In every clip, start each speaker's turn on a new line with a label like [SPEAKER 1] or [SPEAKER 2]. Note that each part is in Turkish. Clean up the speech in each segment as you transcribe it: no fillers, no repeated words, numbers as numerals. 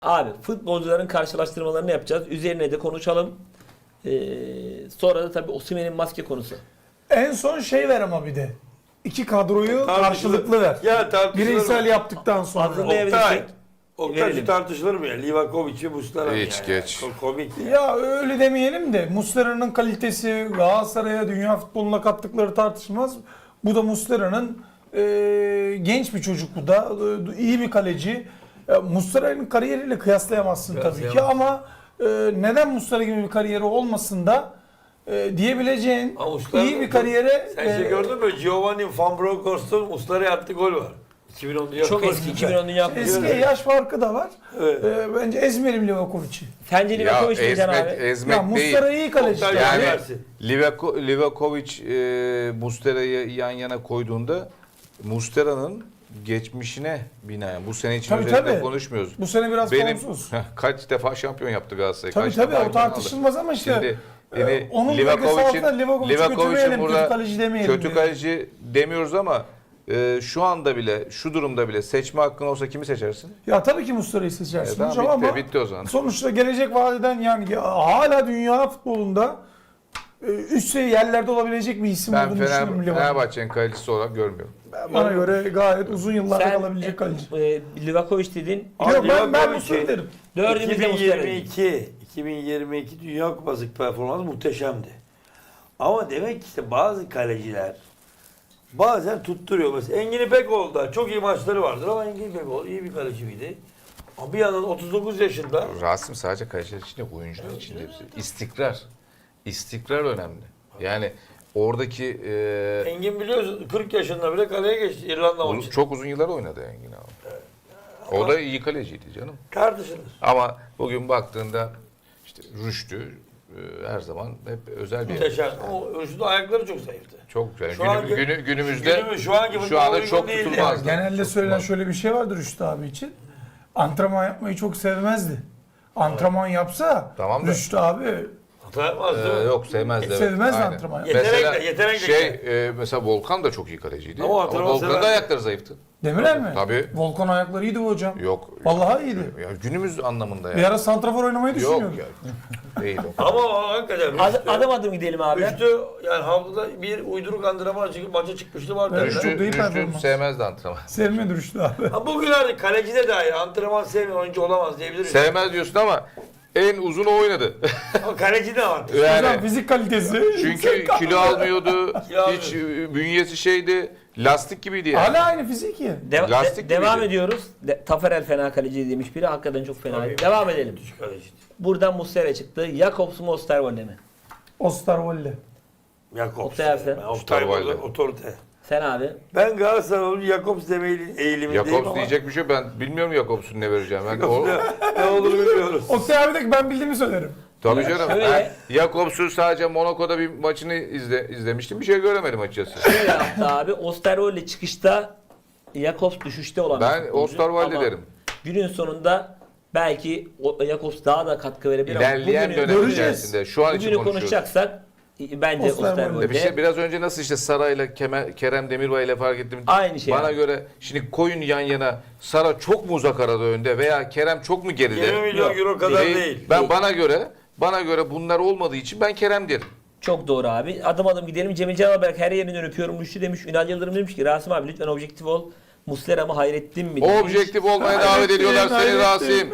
[SPEAKER 1] Abi futbolcuların karşılaştırmalarını yapacağız. Üzerine de konuşalım. Sonra da tabii Osimhen'in maske konusu.
[SPEAKER 2] En son şey ver ama bir de. İki kadroyu
[SPEAKER 3] Tartışılır.
[SPEAKER 2] karşılıklı ver.
[SPEAKER 3] Ya tartışılır
[SPEAKER 2] Bireysel
[SPEAKER 3] mı?
[SPEAKER 2] yaptıktan sonra.
[SPEAKER 1] Hazırlayabilirsek
[SPEAKER 3] Oktay
[SPEAKER 1] verelim.
[SPEAKER 3] tartışılır mı ya? Livakovic'i Muslera
[SPEAKER 4] Hiç
[SPEAKER 3] yani.
[SPEAKER 4] geç.
[SPEAKER 3] Komik ya.
[SPEAKER 2] Ya öyle demeyelim de Muslera'nın kalitesi Galatasaray'a dünya futboluna kattıkları tartışılmaz. Bu da Muslera'nın genç bir çocuk, bu da iyi bir kaleci. Muslera'nın kariyeriyle kıyaslayamazsın tabii ki ama neden Muslera gibi bir kariyeri olmasın da diyebileceğin
[SPEAKER 3] Ama Muslera-
[SPEAKER 2] iyi bir kariyere
[SPEAKER 3] Sen şey gördün mü? Giovanni Van Bronckhorst'un Muslera'ya attığı gol var. 2010 Dünya
[SPEAKER 1] Çok
[SPEAKER 3] Kupası.
[SPEAKER 1] eski 2010 Dünya Kupası.
[SPEAKER 2] eski yaş farkı da var.
[SPEAKER 3] Evet.
[SPEAKER 2] Bence ezmeyelim Livakovic'i.
[SPEAKER 1] Sence Livakovic diyeceksin abi.
[SPEAKER 4] ezmek
[SPEAKER 2] Ya
[SPEAKER 4] değil.
[SPEAKER 2] Muslera iyi kaleci.
[SPEAKER 3] Oktay
[SPEAKER 4] Yani
[SPEAKER 3] versin.
[SPEAKER 4] Livakovic Muslera'yı yan yana koyduğunda Muslera'nın geçmişine binaen bu sene için
[SPEAKER 2] Tabii,
[SPEAKER 4] özellikle
[SPEAKER 2] tabii.
[SPEAKER 4] konuşmuyoruz.
[SPEAKER 2] Bu sene biraz formsuz.
[SPEAKER 4] Kaç defa şampiyon yaptı Galatasaray?
[SPEAKER 2] Tabii
[SPEAKER 4] kaç
[SPEAKER 2] tabii
[SPEAKER 4] defa
[SPEAKER 2] o tartışılmaz ama işte
[SPEAKER 4] Şimdi yani
[SPEAKER 2] onun bölgesi altında Livakovic'i kötüleyelim, kötü kaleci demeyelim.
[SPEAKER 4] kötü kaleci demiyoruz ama şu anda bile, şu durumda bile seçme hakkın olsa kimi seçersin?
[SPEAKER 2] Ya tabii ki Muslera'yı seçersin
[SPEAKER 4] Tamam,
[SPEAKER 2] hocam ama
[SPEAKER 4] bitti o zaman.
[SPEAKER 2] sonuçta gelecek vadeden yani hala dünya futbolunda üst seviye yerlerde olabilecek bir isim
[SPEAKER 4] Ben
[SPEAKER 2] olduğunu düşünüyorum Livakovic.
[SPEAKER 4] Fenerbahçe'nin kalecisi olarak görmüyorum.
[SPEAKER 2] Bana göre gayet uzun yıllarda
[SPEAKER 1] Sen
[SPEAKER 2] kalabilecek kaleci.
[SPEAKER 1] Livakovic dedin.
[SPEAKER 2] Yok ben
[SPEAKER 3] Livakovic'i
[SPEAKER 2] Muslera derim.
[SPEAKER 1] Dördümüzde Muslera dedik.
[SPEAKER 3] 2022 Dünya Kupası performansı muhteşemdi. Ama demek ki işte bazı kaleciler bazen tutturuyor. Mesela Engin İpekoğlu da çok iyi maçları vardır ama Engin İpekoğlu iyi bir kaleci miydi? Ama bir yandan 39 yaşında
[SPEAKER 4] Rasim sadece kaleciler için değil, oyuncular için de. İstikrar. İstikrar önemli. Yani oradaki
[SPEAKER 3] Engin biliyorsun 40 yaşında bile kaleye geçti İrlanda maçı.
[SPEAKER 4] çok uzun yıllar oynadı Engin abi. O da iyi kaleciydi canım.
[SPEAKER 3] Tartışılır.
[SPEAKER 4] Ama bugün baktığında işte Rüştü her zaman hep özel bir
[SPEAKER 3] Muhteşem. Ama Rüştü'nün ayakları çok zayıftı.
[SPEAKER 4] çok yani
[SPEAKER 3] Şu anki-
[SPEAKER 4] günümüzde
[SPEAKER 3] şu anki
[SPEAKER 4] şu
[SPEAKER 3] futbol
[SPEAKER 4] anda
[SPEAKER 3] uygun
[SPEAKER 4] çok
[SPEAKER 3] değildi.
[SPEAKER 4] tutulmaz.
[SPEAKER 2] Genelde söylenen şöyle bir şey vardır Rüştü abi için. Antrenman yapmayı çok sevmezdi. Antrenman yapsa
[SPEAKER 4] Tamam da-
[SPEAKER 2] Rüştü abi
[SPEAKER 3] Hata yapmaz değil mi?
[SPEAKER 4] Yok sevmezdi. evet.
[SPEAKER 2] sevmez
[SPEAKER 4] Aynen.
[SPEAKER 2] antrenman.
[SPEAKER 3] Yetenekle
[SPEAKER 4] Mesela Volkan da çok iyi kaleciydi.
[SPEAKER 3] Ama
[SPEAKER 4] Ama
[SPEAKER 3] antrenman
[SPEAKER 4] Volkan'ın da
[SPEAKER 3] sever.
[SPEAKER 4] ayakları zayıftı.
[SPEAKER 2] Demirel mi?
[SPEAKER 4] Tabii.
[SPEAKER 2] Volkan ayakları iyiydi bu hocam.
[SPEAKER 4] Yok.
[SPEAKER 2] Vallahi iyiydi.
[SPEAKER 4] Ya günümüz anlamında
[SPEAKER 2] Bir
[SPEAKER 4] yani.
[SPEAKER 2] ara santrafor oynamayı
[SPEAKER 4] Yok
[SPEAKER 2] düşünüyordu.
[SPEAKER 4] ya. Değil o.
[SPEAKER 3] Ama hakikaten
[SPEAKER 1] Adım adım gidelim abi.
[SPEAKER 3] Rüştü yani haftada bir uyduruk antrenman çıkıp maça çıkmıştı var.
[SPEAKER 2] Evet.
[SPEAKER 3] derler.
[SPEAKER 2] Çok da iyi
[SPEAKER 4] Rüştü
[SPEAKER 2] performans.
[SPEAKER 4] sevmezdi antrenman.
[SPEAKER 2] Sevmedi Rüştü abi.
[SPEAKER 3] Ha bugün artık kalecide dair antrenman sevmeyen oyuncu olamaz diyebiliriz.
[SPEAKER 4] Sevmez diyorsun ama en uzun o oynadı.
[SPEAKER 3] Ama kaleci de var.
[SPEAKER 2] Hocam
[SPEAKER 4] Yani
[SPEAKER 2] fizik kalitesi.
[SPEAKER 4] çünkü kilo almıyordu.
[SPEAKER 3] Kilo
[SPEAKER 4] Hiç bünyesi şeydi. Lastik gibiydi yani.
[SPEAKER 2] Hala aynı fiziki.
[SPEAKER 4] Lastik
[SPEAKER 1] Devam
[SPEAKER 4] gibiydi.
[SPEAKER 1] ediyoruz. Taferel fena kaleci demiş biri. Hakikaten çok fena.
[SPEAKER 3] Tabii.
[SPEAKER 1] Devam edelim.
[SPEAKER 3] Düşük kaleci.
[SPEAKER 1] Buradan Muslera çıktı. Jakobs mu Osterwolde mi?
[SPEAKER 2] Osterwolde.
[SPEAKER 3] Jakobs.
[SPEAKER 1] Oktay Ersen.
[SPEAKER 3] Ben Oktay burada
[SPEAKER 4] Osterwolde.
[SPEAKER 3] otorite.
[SPEAKER 1] Sen abi.
[SPEAKER 3] Ben Galatasaray'ın Jakobs demeyi eğilimindeyim
[SPEAKER 4] Jakobs
[SPEAKER 3] ama
[SPEAKER 4] diyecek bir şey ben bilmiyorum Jakobs'un ne vereceğim. Ben o,
[SPEAKER 3] ne olur bilmiyoruz.
[SPEAKER 2] Oktay abi de ki ben bildiğimi söylerim.
[SPEAKER 4] tabii canım.
[SPEAKER 1] şöyle-
[SPEAKER 4] Ben Jakobs'un sadece Monaco'da bir maçını izlemiştim. Bir şey göremedim açıkçası.
[SPEAKER 1] Şöyle yaptı abi. Osterwolde çıkışta Jakobs düşüşte olan bir
[SPEAKER 4] Ben
[SPEAKER 1] futbolcu.
[SPEAKER 4] Osterwolde
[SPEAKER 1] Ama
[SPEAKER 4] derim.
[SPEAKER 1] günün sonunda belki Jakobs daha da katkı verebilir
[SPEAKER 4] İlerleyen
[SPEAKER 1] ama
[SPEAKER 4] dönem
[SPEAKER 2] göreceğiz.
[SPEAKER 4] içerisinde şu an için
[SPEAKER 1] bugünü
[SPEAKER 4] konuşuyoruz.
[SPEAKER 1] konuşacaksak bence
[SPEAKER 2] Osterwolde.
[SPEAKER 1] Osterwolde.
[SPEAKER 4] Bir şey biraz önce nasıl işte Sara'yla Kerem Demirbay ile fark ettim.
[SPEAKER 1] Aynı şey
[SPEAKER 4] Bana
[SPEAKER 1] abi.
[SPEAKER 4] göre şimdi koyun yan yana Sara çok mu uzak arada önde veya Kerem çok mu geride?
[SPEAKER 3] 20 milyon
[SPEAKER 1] Yok,
[SPEAKER 3] euro kadar
[SPEAKER 4] Değil.
[SPEAKER 3] değil.
[SPEAKER 4] Ben bana göre bunlar olmadığı için ben Kerem derim.
[SPEAKER 1] Çok doğru abi. Adım adım gidelim. Cemil Canaberk her yerinden öpüyorum. Rüştü demiş. Ünal Yıldırım demiş ki Rasim abi lütfen objektif ol. Muslera mı Hayrettin mi?
[SPEAKER 4] O
[SPEAKER 1] demiş.
[SPEAKER 4] objektif olmaya davet ediyorlar seni Rasim.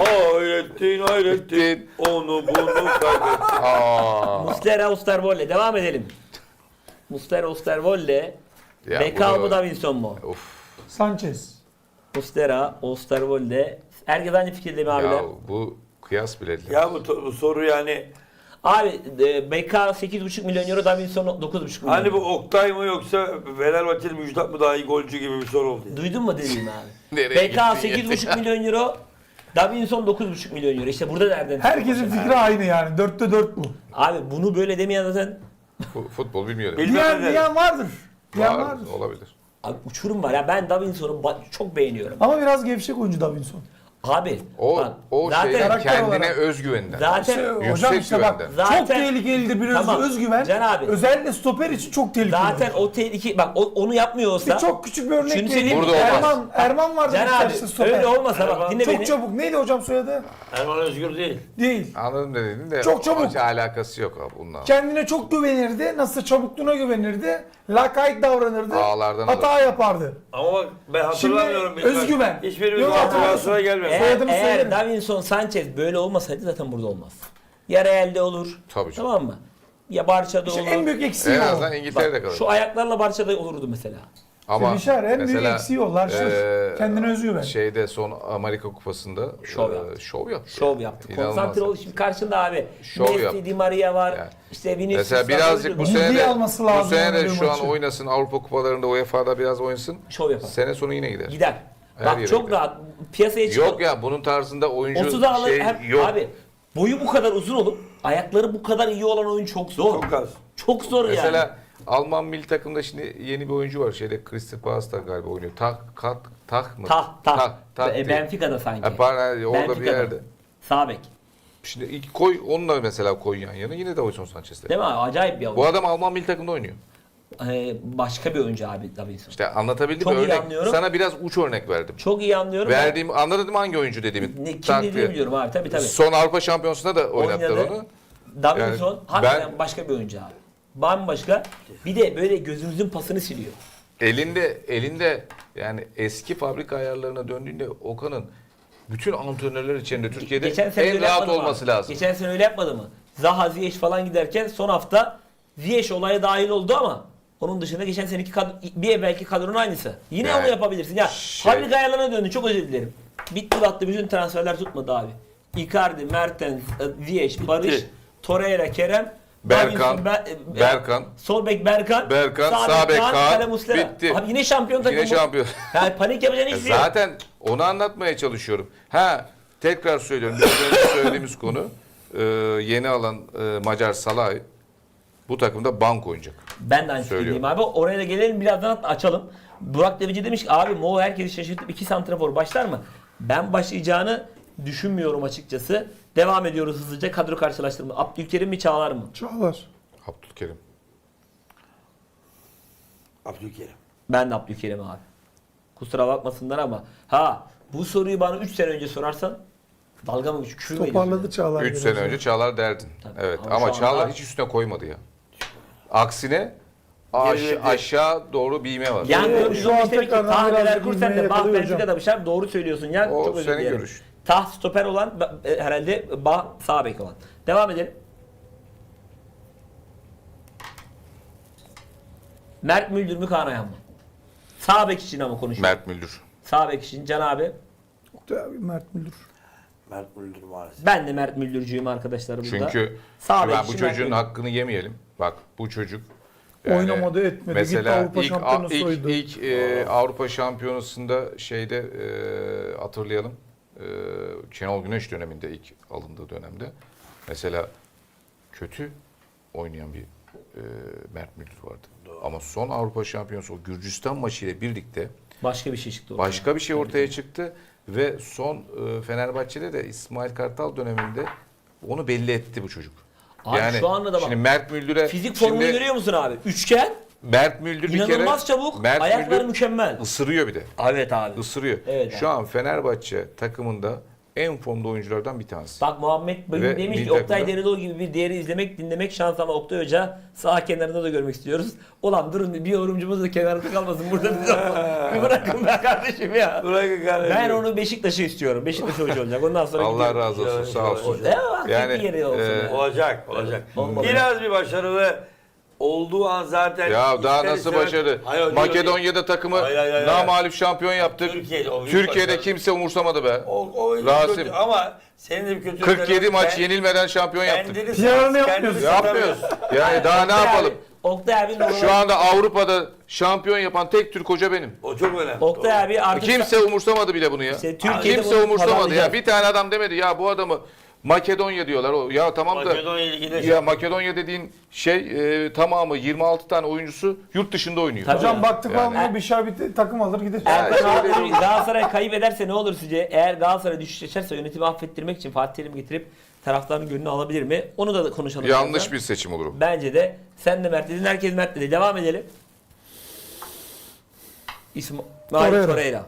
[SPEAKER 3] Hayrettin. Onu bunu kaybettin.
[SPEAKER 4] Aa.
[SPEAKER 1] Muslera Osterwolde. Devam edelim. Muslera Osterwolde.
[SPEAKER 4] Ya
[SPEAKER 1] Bekal
[SPEAKER 4] bu
[SPEAKER 1] mı
[SPEAKER 4] da-
[SPEAKER 1] Davinson mu?
[SPEAKER 4] Of.
[SPEAKER 2] Sanchez.
[SPEAKER 1] Muslera Osterwolde. Herkes aynı fikirde mi abiler?
[SPEAKER 4] Ya bu kıyas bile değil.
[SPEAKER 3] Ya bu soru yani
[SPEAKER 1] Abi BK 8,5 milyon euro, Davinson 9,5 milyon
[SPEAKER 3] hani bu
[SPEAKER 1] euro.
[SPEAKER 3] Oktay mı yoksa Fenerbahçeli Müjdat mı daha iyi golcü gibi bir soru oldu. Yani.
[SPEAKER 1] Duydun mu dediğimi abi?
[SPEAKER 4] Nereye
[SPEAKER 1] BK
[SPEAKER 4] gittin
[SPEAKER 1] 8,5 milyon euro, Davinson 9,5 milyon euro. İşte burada nereden?
[SPEAKER 2] Herkesin fikri aynı yani. 4'te 4 bu.
[SPEAKER 1] Abi bunu böyle demeyen zaten
[SPEAKER 4] Futbol bilmiyorum.
[SPEAKER 3] Bilmem ne.
[SPEAKER 2] Diyen vardır. Diyen
[SPEAKER 4] Var,
[SPEAKER 2] vardır.
[SPEAKER 4] olabilir.
[SPEAKER 1] abi uçurum var ya. Ben Davinson'u çok beğeniyorum.
[SPEAKER 2] Ama biraz gevşek oyuncu Davinson.
[SPEAKER 1] Abi
[SPEAKER 4] O
[SPEAKER 1] bak,
[SPEAKER 4] o
[SPEAKER 1] zaten
[SPEAKER 4] şeyden
[SPEAKER 2] karakter
[SPEAKER 4] kendine
[SPEAKER 2] olarak-
[SPEAKER 4] özgüveninden.
[SPEAKER 1] zaten
[SPEAKER 2] Hocam
[SPEAKER 4] Yüksek
[SPEAKER 2] işte bak
[SPEAKER 4] güvenden.
[SPEAKER 1] Zaten-
[SPEAKER 2] çok tehlikelidir bir
[SPEAKER 1] Tamam.
[SPEAKER 2] özgüven.
[SPEAKER 1] Can abi.
[SPEAKER 2] Özellikle stoper için çok tehlikeli.
[SPEAKER 1] zaten o tehlike bak onu yapmıyor olsa
[SPEAKER 2] Bir çok küçük bir örnek
[SPEAKER 1] Şunu söyleyeyim
[SPEAKER 2] vereyim.
[SPEAKER 1] mi?
[SPEAKER 4] Burada olmaz.
[SPEAKER 2] Erman vardı
[SPEAKER 1] Can abi
[SPEAKER 2] Beşiktaş'ta stoper.
[SPEAKER 1] öyle olmasa bak
[SPEAKER 3] Erman
[SPEAKER 1] dinle
[SPEAKER 2] Çok
[SPEAKER 1] beni.
[SPEAKER 2] çabuk. Neydi hocam soyadı?
[SPEAKER 3] Erman Özgür değil.
[SPEAKER 2] Değil.
[SPEAKER 4] Anladım ne dedin de
[SPEAKER 2] Çok çabuk.
[SPEAKER 4] hiç alakası yok abi bununla.
[SPEAKER 2] Kendine çok güvenirdi. Nasıl çabukluğuna güvenirdi. Lakayt davranırdı.
[SPEAKER 4] Ağlardan
[SPEAKER 2] hata yapardı.
[SPEAKER 3] Ama bak ben hatırlamıyorum.
[SPEAKER 2] Şimdi özgüven.
[SPEAKER 3] Hiçbirimiz
[SPEAKER 2] Yok,
[SPEAKER 3] hatırlamıyor. Sonra gelmiyor.
[SPEAKER 2] Soyadımı
[SPEAKER 1] Eğer
[SPEAKER 2] söylerim.
[SPEAKER 1] Davinson Sanchez böyle olmasaydı zaten burada olmaz. Ya Real'de olur.
[SPEAKER 4] Tabii canım.
[SPEAKER 1] Tamam mı? Ya Barça'da
[SPEAKER 2] İşte
[SPEAKER 1] olur.
[SPEAKER 2] en büyük eksiği
[SPEAKER 4] En
[SPEAKER 2] o.
[SPEAKER 4] azından İngiltere'de kalır.
[SPEAKER 1] Şu ayaklarla Barça'da olurdu mesela.
[SPEAKER 4] Ama
[SPEAKER 2] Bişar en büyük
[SPEAKER 4] mesela,
[SPEAKER 2] eksiği o. Larşır. Kendine özgüven.
[SPEAKER 4] Şeyde son Amerika Kupası'nda
[SPEAKER 1] Şov yaptı.
[SPEAKER 4] şov yaptı.
[SPEAKER 1] Şov yaptı.
[SPEAKER 4] İnanılmaz.
[SPEAKER 1] Konsantre ol. Şimdi karşında abi.
[SPEAKER 4] Şov
[SPEAKER 1] Messi,
[SPEAKER 4] yaptı.
[SPEAKER 1] Di Maria var.
[SPEAKER 4] Yani.
[SPEAKER 1] İşte Vinicius.
[SPEAKER 4] Mesela
[SPEAKER 1] var,
[SPEAKER 4] birazcık bu
[SPEAKER 1] oyuncu.
[SPEAKER 4] sene
[SPEAKER 2] Milli
[SPEAKER 4] de,
[SPEAKER 2] alması
[SPEAKER 4] bu
[SPEAKER 2] lazım
[SPEAKER 4] sene de
[SPEAKER 2] yani
[SPEAKER 4] şu an
[SPEAKER 2] maçı.
[SPEAKER 4] oynasın Avrupa Kupalarında UEFA'da biraz oynasın.
[SPEAKER 1] Şov yapar.
[SPEAKER 4] Sene sonu yine gider.
[SPEAKER 1] Gider.
[SPEAKER 4] Her
[SPEAKER 1] Bak
[SPEAKER 4] yere
[SPEAKER 1] çok
[SPEAKER 4] gider.
[SPEAKER 1] rahat. Piyasaya çıkar.
[SPEAKER 4] Yok ya bunun tarzında oyuncu
[SPEAKER 1] 30'a alır.
[SPEAKER 4] şey yok.
[SPEAKER 1] Abi boyu bu kadar uzun olup ayakları bu kadar iyi olan oyun çok zor.
[SPEAKER 3] Çok az.
[SPEAKER 1] Çok zor yani.
[SPEAKER 4] Mesela Alman milli takımda şimdi yeni bir oyuncu var. Şeyde Crystal Palace'da galiba oynuyor. Tak mı?
[SPEAKER 1] Tah.
[SPEAKER 4] diye.
[SPEAKER 1] Benfica'da sanki.
[SPEAKER 4] Ha, pardon, orada bir
[SPEAKER 1] Benfica'da.
[SPEAKER 4] yerde.
[SPEAKER 1] Sağ bek.
[SPEAKER 4] Şimdi ilk koy onunla mesela koy yan yana yine Davinson Sanchez'de.
[SPEAKER 1] Değil mi abi? Acayip bir
[SPEAKER 4] Bu
[SPEAKER 1] oyuncu.
[SPEAKER 4] adam Alman milli takımda oynuyor.
[SPEAKER 1] Başka bir oyuncu abi Davinson.
[SPEAKER 4] İşte anlatabildim
[SPEAKER 1] Çok
[SPEAKER 4] mi?
[SPEAKER 1] iyi
[SPEAKER 4] Örnek.
[SPEAKER 1] anlıyorum.
[SPEAKER 4] Sana biraz uç örnek verdim.
[SPEAKER 1] Çok iyi anlıyorum.
[SPEAKER 4] Verdiğim anladın mı hangi oyuncu dediğimi?
[SPEAKER 1] Kim
[SPEAKER 4] Tak
[SPEAKER 1] dediğini
[SPEAKER 4] diye.
[SPEAKER 1] biliyorum abi tabii.
[SPEAKER 4] Son Avrupa Şampiyonası'nda da oynattılar
[SPEAKER 1] Oynadı.
[SPEAKER 4] onu.
[SPEAKER 1] Davinson
[SPEAKER 4] Yani
[SPEAKER 1] hakikaten başka bir oyuncu abi. Bambaşka. Bir de böyle gözümüzün pasını siliyor.
[SPEAKER 4] Elinde yani eski fabrika ayarlarına döndüğünde Okan'ın bütün antrenörler içinde Türkiye'de
[SPEAKER 1] Geçen sene
[SPEAKER 4] en
[SPEAKER 1] öyle
[SPEAKER 4] rahat
[SPEAKER 1] yapmadı mı
[SPEAKER 4] olması
[SPEAKER 1] abi?
[SPEAKER 4] lazım.
[SPEAKER 1] Geçen sene öyle yapmadı mı? Zaha, Ziyech falan giderken son hafta Ziyech olaya dahil oldu ama onun dışında geçen seneki bir evvelki kadronun aynısı. Yine
[SPEAKER 4] Yani
[SPEAKER 1] onu yapabilirsin. Ya
[SPEAKER 4] şey-
[SPEAKER 1] fabrika ayarlarına döndü. Çok özür dilerim. Bitti battı. Bütün transferler tutmadı abi. Icardi, Mertens, Ziyech, Barış, Torreira, Kerem,
[SPEAKER 4] Berkan,
[SPEAKER 1] Davinson,
[SPEAKER 4] Berkan,
[SPEAKER 1] sol bek Berkan,
[SPEAKER 4] sağ bek Kaan,
[SPEAKER 1] kale Muslera.
[SPEAKER 4] bitti.
[SPEAKER 1] Abi yine şampiyon takımı.
[SPEAKER 4] Yine şampiyon.
[SPEAKER 1] Yani panik yapacağın hiçbir şey yok.
[SPEAKER 4] Zaten onu anlatmaya çalışıyorum. Tekrar söylüyorum. Biraz önce söylediğimiz konu yeni alan Macar Salah bu takımda bank oynayacak.
[SPEAKER 1] Ben de aynı
[SPEAKER 4] Söylüyorum.
[SPEAKER 1] fikirdeyim abi. Oraya da gelelim birazdan açalım. Burak Devici demiş ki abi Mo herkesi şaşırtıp 2 santrafor başlar mı? Ben başlayacağını düşünmüyorum açıkçası. Devam ediyoruz hızlıca kadro karşılaştırma. Abdülkerim mi Çağlar mı?
[SPEAKER 2] Çağlar.
[SPEAKER 4] Abdülkerim.
[SPEAKER 3] Abdülkerim.
[SPEAKER 1] Ben de Abdülkerim abi. Kusura bakmasınlar ama bu soruyu bana 3 sene önce sorarsan dalga mı küfür mü ediyorsun?
[SPEAKER 2] Toparladı Çağlar.
[SPEAKER 4] 3
[SPEAKER 2] biraz
[SPEAKER 4] sene
[SPEAKER 2] ya.
[SPEAKER 4] önce Çağlar derdin.
[SPEAKER 1] Tabii.
[SPEAKER 4] Evet
[SPEAKER 1] Ama
[SPEAKER 4] ama
[SPEAKER 1] şu
[SPEAKER 4] Çağlar
[SPEAKER 1] anda-
[SPEAKER 4] hiç üstüne koymadı ya. Aksine
[SPEAKER 3] Geriledi.
[SPEAKER 4] aşağı doğru büyüme var.
[SPEAKER 1] Yani
[SPEAKER 2] Şu an
[SPEAKER 1] 415 demek ki
[SPEAKER 2] tekrardan
[SPEAKER 1] Tah
[SPEAKER 2] biraz
[SPEAKER 1] neler kur sen
[SPEAKER 2] bilmeye
[SPEAKER 1] de Bah
[SPEAKER 2] yakalıyor
[SPEAKER 1] Benfica'da
[SPEAKER 2] hocam.
[SPEAKER 1] bir şey. Doğru söylüyorsun ya.
[SPEAKER 4] O
[SPEAKER 1] Çok özür
[SPEAKER 4] senin
[SPEAKER 1] dilerim.
[SPEAKER 4] görüş.
[SPEAKER 1] Tah stoper olan herhalde Bah sağ bek olan. Devam edelim. Mert Müldür mü Kaan Ayhan mı? Sağ bek için ama konuşuyor.
[SPEAKER 4] Mert Müldür.
[SPEAKER 1] Sağ bek için Can abi.
[SPEAKER 2] Mert Müldür.
[SPEAKER 3] Mert Müldür maalesef.
[SPEAKER 1] Ben de Mert Müldürcüyüm arkadaşlar burada.
[SPEAKER 4] Çünkü
[SPEAKER 1] Sağ
[SPEAKER 4] şimdi
[SPEAKER 1] bek
[SPEAKER 4] ben bu
[SPEAKER 1] için Mert
[SPEAKER 4] çocuğun
[SPEAKER 1] Müldür.
[SPEAKER 4] hakkını yemeyelim. Bak bu çocuk
[SPEAKER 2] Oynamadı, etmedi. Gitti
[SPEAKER 4] Mesela
[SPEAKER 2] Avrupa Şampiyonası oydu.
[SPEAKER 4] ilk Avrupa Şampiyonası'nda hatırlayalım. Şenol Güneş döneminde ilk alındığı dönemde mesela kötü oynayan bir Mert Müldür vardı. Ama son Avrupa Şampiyonası o Gürcistan maçıyla birlikte
[SPEAKER 1] Başka bir şey çıktı ortaya.
[SPEAKER 4] başka bir şey ortaya çıktı ve son Fenerbahçe'de de İsmail Kartal döneminde onu belli etti bu çocuk.
[SPEAKER 1] Abi şu anda da bak.
[SPEAKER 4] Şimdi Mert Müldür'e
[SPEAKER 1] Fizik formunu
[SPEAKER 4] şimdi
[SPEAKER 1] görüyor musun abi? Üçgen,
[SPEAKER 4] Mert Müldür bir kere
[SPEAKER 1] inanılmaz çabuk,
[SPEAKER 4] Mert
[SPEAKER 1] ayakları
[SPEAKER 4] Müldür
[SPEAKER 1] mükemmel.
[SPEAKER 4] ısırıyor bir de.
[SPEAKER 1] Evet abi.
[SPEAKER 4] Isırıyor.
[SPEAKER 1] Evet
[SPEAKER 4] Şu
[SPEAKER 1] abi.
[SPEAKER 4] an Fenerbahçe takımında en formda oyunculardan bir tanesi.
[SPEAKER 1] Bak Muhammed
[SPEAKER 4] Ve
[SPEAKER 1] Bey'in demiş ki
[SPEAKER 4] milli
[SPEAKER 1] Oktay
[SPEAKER 4] takımda-
[SPEAKER 1] Deriloğlu gibi bir değeri izlemek, dinlemek şans ama Oktay Hoca sağ kenarında da görmek istiyoruz. Ulan durun bir yorumcumuz da kenarda kalmasın burada bize. Bir bırakın be kardeşim ya.
[SPEAKER 3] Bırakın kardeşim.
[SPEAKER 1] Ben onu Beşiktaş'ı istiyorum. Beşiktaş hoca olacak. Ondan sonra
[SPEAKER 4] Allah
[SPEAKER 1] gidiyorum.
[SPEAKER 4] razı olsun. Sağ olsun.
[SPEAKER 1] Ya,
[SPEAKER 4] Yani,
[SPEAKER 1] yani, yeri olsun. ya.
[SPEAKER 3] Olacak.
[SPEAKER 1] Olmadı.
[SPEAKER 3] Biraz bir başarılı olduğu an zaten
[SPEAKER 4] Ya daha
[SPEAKER 3] ister
[SPEAKER 4] nasıl
[SPEAKER 3] istemez-
[SPEAKER 4] başarı?
[SPEAKER 3] Hayır, o değil,
[SPEAKER 4] Makedonya'da takımı
[SPEAKER 3] Hayır.
[SPEAKER 4] namağlup şampiyon yaptık.
[SPEAKER 3] Türkiye'de, o büyük
[SPEAKER 4] Türkiye'de
[SPEAKER 3] başarı.
[SPEAKER 4] kimse umursamadı be.
[SPEAKER 3] O
[SPEAKER 4] Rasim.
[SPEAKER 3] kötü ama senin de bir kötü
[SPEAKER 4] 47 maç yenilmeden şampiyon yaptık.
[SPEAKER 2] PR'ını yapmıyoruz.
[SPEAKER 4] Yapmıyoruz. Yani daha ne yapalım?
[SPEAKER 1] Oktay abi
[SPEAKER 4] Şu anda Avrupa'da şampiyon yapan tek Türk hoca benim.
[SPEAKER 3] O çok önemli.
[SPEAKER 1] Oktay abi artık
[SPEAKER 4] Kimse umursamadı bile bunu ya.
[SPEAKER 1] İşte Türkiye'de
[SPEAKER 4] Kimse
[SPEAKER 1] bunu
[SPEAKER 4] umursamadı ya.
[SPEAKER 1] pazarlayacağız.
[SPEAKER 4] Bir tane adam demedi ya bu adamı Makedonya diyorlar. Ya tamam da
[SPEAKER 3] Makedonya Ligi'nde
[SPEAKER 4] ya Makedonya dediğin şey tamamı 26 tane oyuncusu yurt dışında oynuyor.
[SPEAKER 1] Tabii.
[SPEAKER 2] Hocam baktık
[SPEAKER 4] Yani-
[SPEAKER 2] olmuyor bir şey bir takım alır gider.
[SPEAKER 1] Eğer
[SPEAKER 4] öyle
[SPEAKER 1] Galatasaray kayıp ederse ne olur sizce? Eğer Galatasaray düşüş yaşarsa yönetimi affettirmek için Fatih Terim getirip taraftarın gönlünü alabilir mi? Onu da konuşalım.
[SPEAKER 4] Yanlış
[SPEAKER 1] birazdan.
[SPEAKER 4] bir seçim olur. o.
[SPEAKER 1] Bence de. Sen de Mert dedin. Herkes Mert dedi. Devam edelim. İsmail Torreira.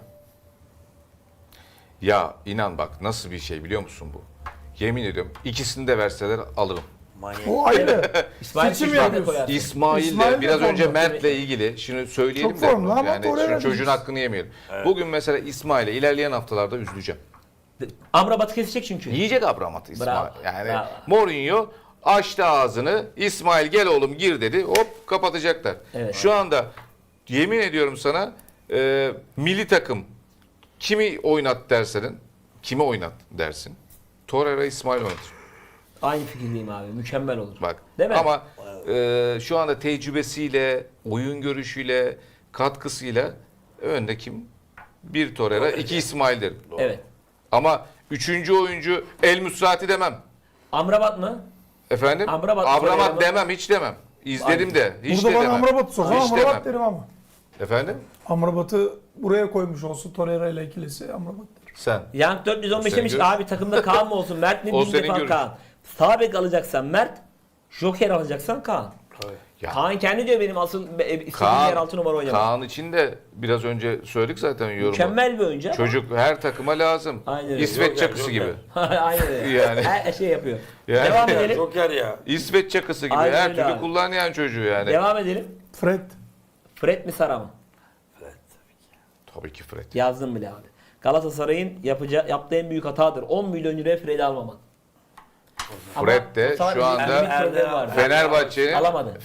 [SPEAKER 4] Ya inan bak nasıl bir şey biliyor musun bu? Yemin ediyorum ikisini de verseler alırım.
[SPEAKER 3] Manyak.
[SPEAKER 2] O ayrı.
[SPEAKER 1] İsmail
[SPEAKER 2] Seçim
[SPEAKER 1] Şişman'ı da
[SPEAKER 2] yapıyorsun.
[SPEAKER 1] koyarsın.
[SPEAKER 4] İsmail
[SPEAKER 2] İsmail
[SPEAKER 4] de
[SPEAKER 2] de
[SPEAKER 4] biraz önce
[SPEAKER 2] formda.
[SPEAKER 4] Mert'le ilgili şimdi söyleyelim
[SPEAKER 2] Çok
[SPEAKER 4] de
[SPEAKER 2] formda ama
[SPEAKER 4] yani
[SPEAKER 2] Torreira
[SPEAKER 4] şimdi çocuğun
[SPEAKER 2] değil.
[SPEAKER 4] hakkını yemeyelim. Bugün mesela İsmail'e ilerleyen haftalarda üzüleceğim.
[SPEAKER 1] Amrabat'ı kesecek çünkü.
[SPEAKER 4] Yiyecek Abramat İsmail.
[SPEAKER 1] Bravo,
[SPEAKER 4] Yani
[SPEAKER 1] bravo.
[SPEAKER 4] Mourinho açtı ağzını. İsmail gel oğlum gir dedi. Hop kapatacaklar.
[SPEAKER 1] Evet.
[SPEAKER 4] Şu anda yemin ediyorum sana milli takım kimi oynat dersen kimi oynat dersin. Torreira İsmail oynatır.
[SPEAKER 1] Aynı fikirdeyim abi. Mükemmel olur.
[SPEAKER 4] Bak
[SPEAKER 1] Değil mi?
[SPEAKER 4] ama şu anda tecrübesiyle, oyun görüşüyle, katkısıyla önde kim? Bir Torreira, iki İsmail derim.
[SPEAKER 1] Evet.
[SPEAKER 4] Ama üçüncü oyuncu El Musrati demem.
[SPEAKER 1] Amrabat mı?
[SPEAKER 4] Efendim?
[SPEAKER 1] Amrabat, Torreira
[SPEAKER 4] Abramat
[SPEAKER 1] mı?
[SPEAKER 4] demem, hiç demem. İzledim de, hiç
[SPEAKER 2] Burada
[SPEAKER 4] de
[SPEAKER 2] bana
[SPEAKER 4] demem.
[SPEAKER 2] Amrabat'ı sorsan
[SPEAKER 4] Hiç
[SPEAKER 2] Amrabat
[SPEAKER 4] demem.
[SPEAKER 2] derim ama.
[SPEAKER 4] Efendim?
[SPEAKER 2] Amrabat'ı buraya koymuş olsun Torreira ile ikilisi Amrabat derim.
[SPEAKER 4] Sen.
[SPEAKER 1] Young 415
[SPEAKER 4] Senin
[SPEAKER 1] demiş ki
[SPEAKER 4] görüş.
[SPEAKER 1] abi takımda Kaan mı olsun? Mert mi?
[SPEAKER 4] O
[SPEAKER 1] Bin
[SPEAKER 4] senin
[SPEAKER 1] defa
[SPEAKER 4] görüş.
[SPEAKER 1] Kaan. Sağ bek alacaksan Mert. Joker alacaksan Kaan.
[SPEAKER 4] Ya,
[SPEAKER 1] Kaan kendi diyor benim asıl istediğim
[SPEAKER 4] Kaan,
[SPEAKER 1] yer 6 numara oynamak.
[SPEAKER 4] Kaan için de biraz önce söyledik zaten yorumu.
[SPEAKER 1] Mükemmel bir oyuncu ama.
[SPEAKER 4] Çocuk her takıma lazım.
[SPEAKER 1] Aynen öyle.
[SPEAKER 4] İsveç
[SPEAKER 3] Joker,
[SPEAKER 4] çakısı
[SPEAKER 3] Joker.
[SPEAKER 4] gibi.
[SPEAKER 1] Aynen öyle.
[SPEAKER 4] Yani.
[SPEAKER 1] Her şey yapıyor.
[SPEAKER 4] Yani.
[SPEAKER 1] Devam
[SPEAKER 3] Ya,
[SPEAKER 1] edelim.
[SPEAKER 3] Joker ya.
[SPEAKER 4] İsveç çakısı gibi
[SPEAKER 1] Aynen
[SPEAKER 4] her
[SPEAKER 1] öyle
[SPEAKER 4] türlü
[SPEAKER 1] abi.
[SPEAKER 4] kullanan çocuğu yani.
[SPEAKER 1] Devam edelim.
[SPEAKER 2] Fred.
[SPEAKER 1] Fred mi Sara mı?
[SPEAKER 4] Tabii ki Fred.
[SPEAKER 1] Yazdım bile abi. Galatasaray'ın yaptığı en büyük hatadır. 10 milyon euroya Fred'i almamak.
[SPEAKER 4] Fred de
[SPEAKER 1] Ama
[SPEAKER 4] şu anda
[SPEAKER 1] bir problemi var.
[SPEAKER 4] Fenerbahçe'nin
[SPEAKER 1] Alamadı.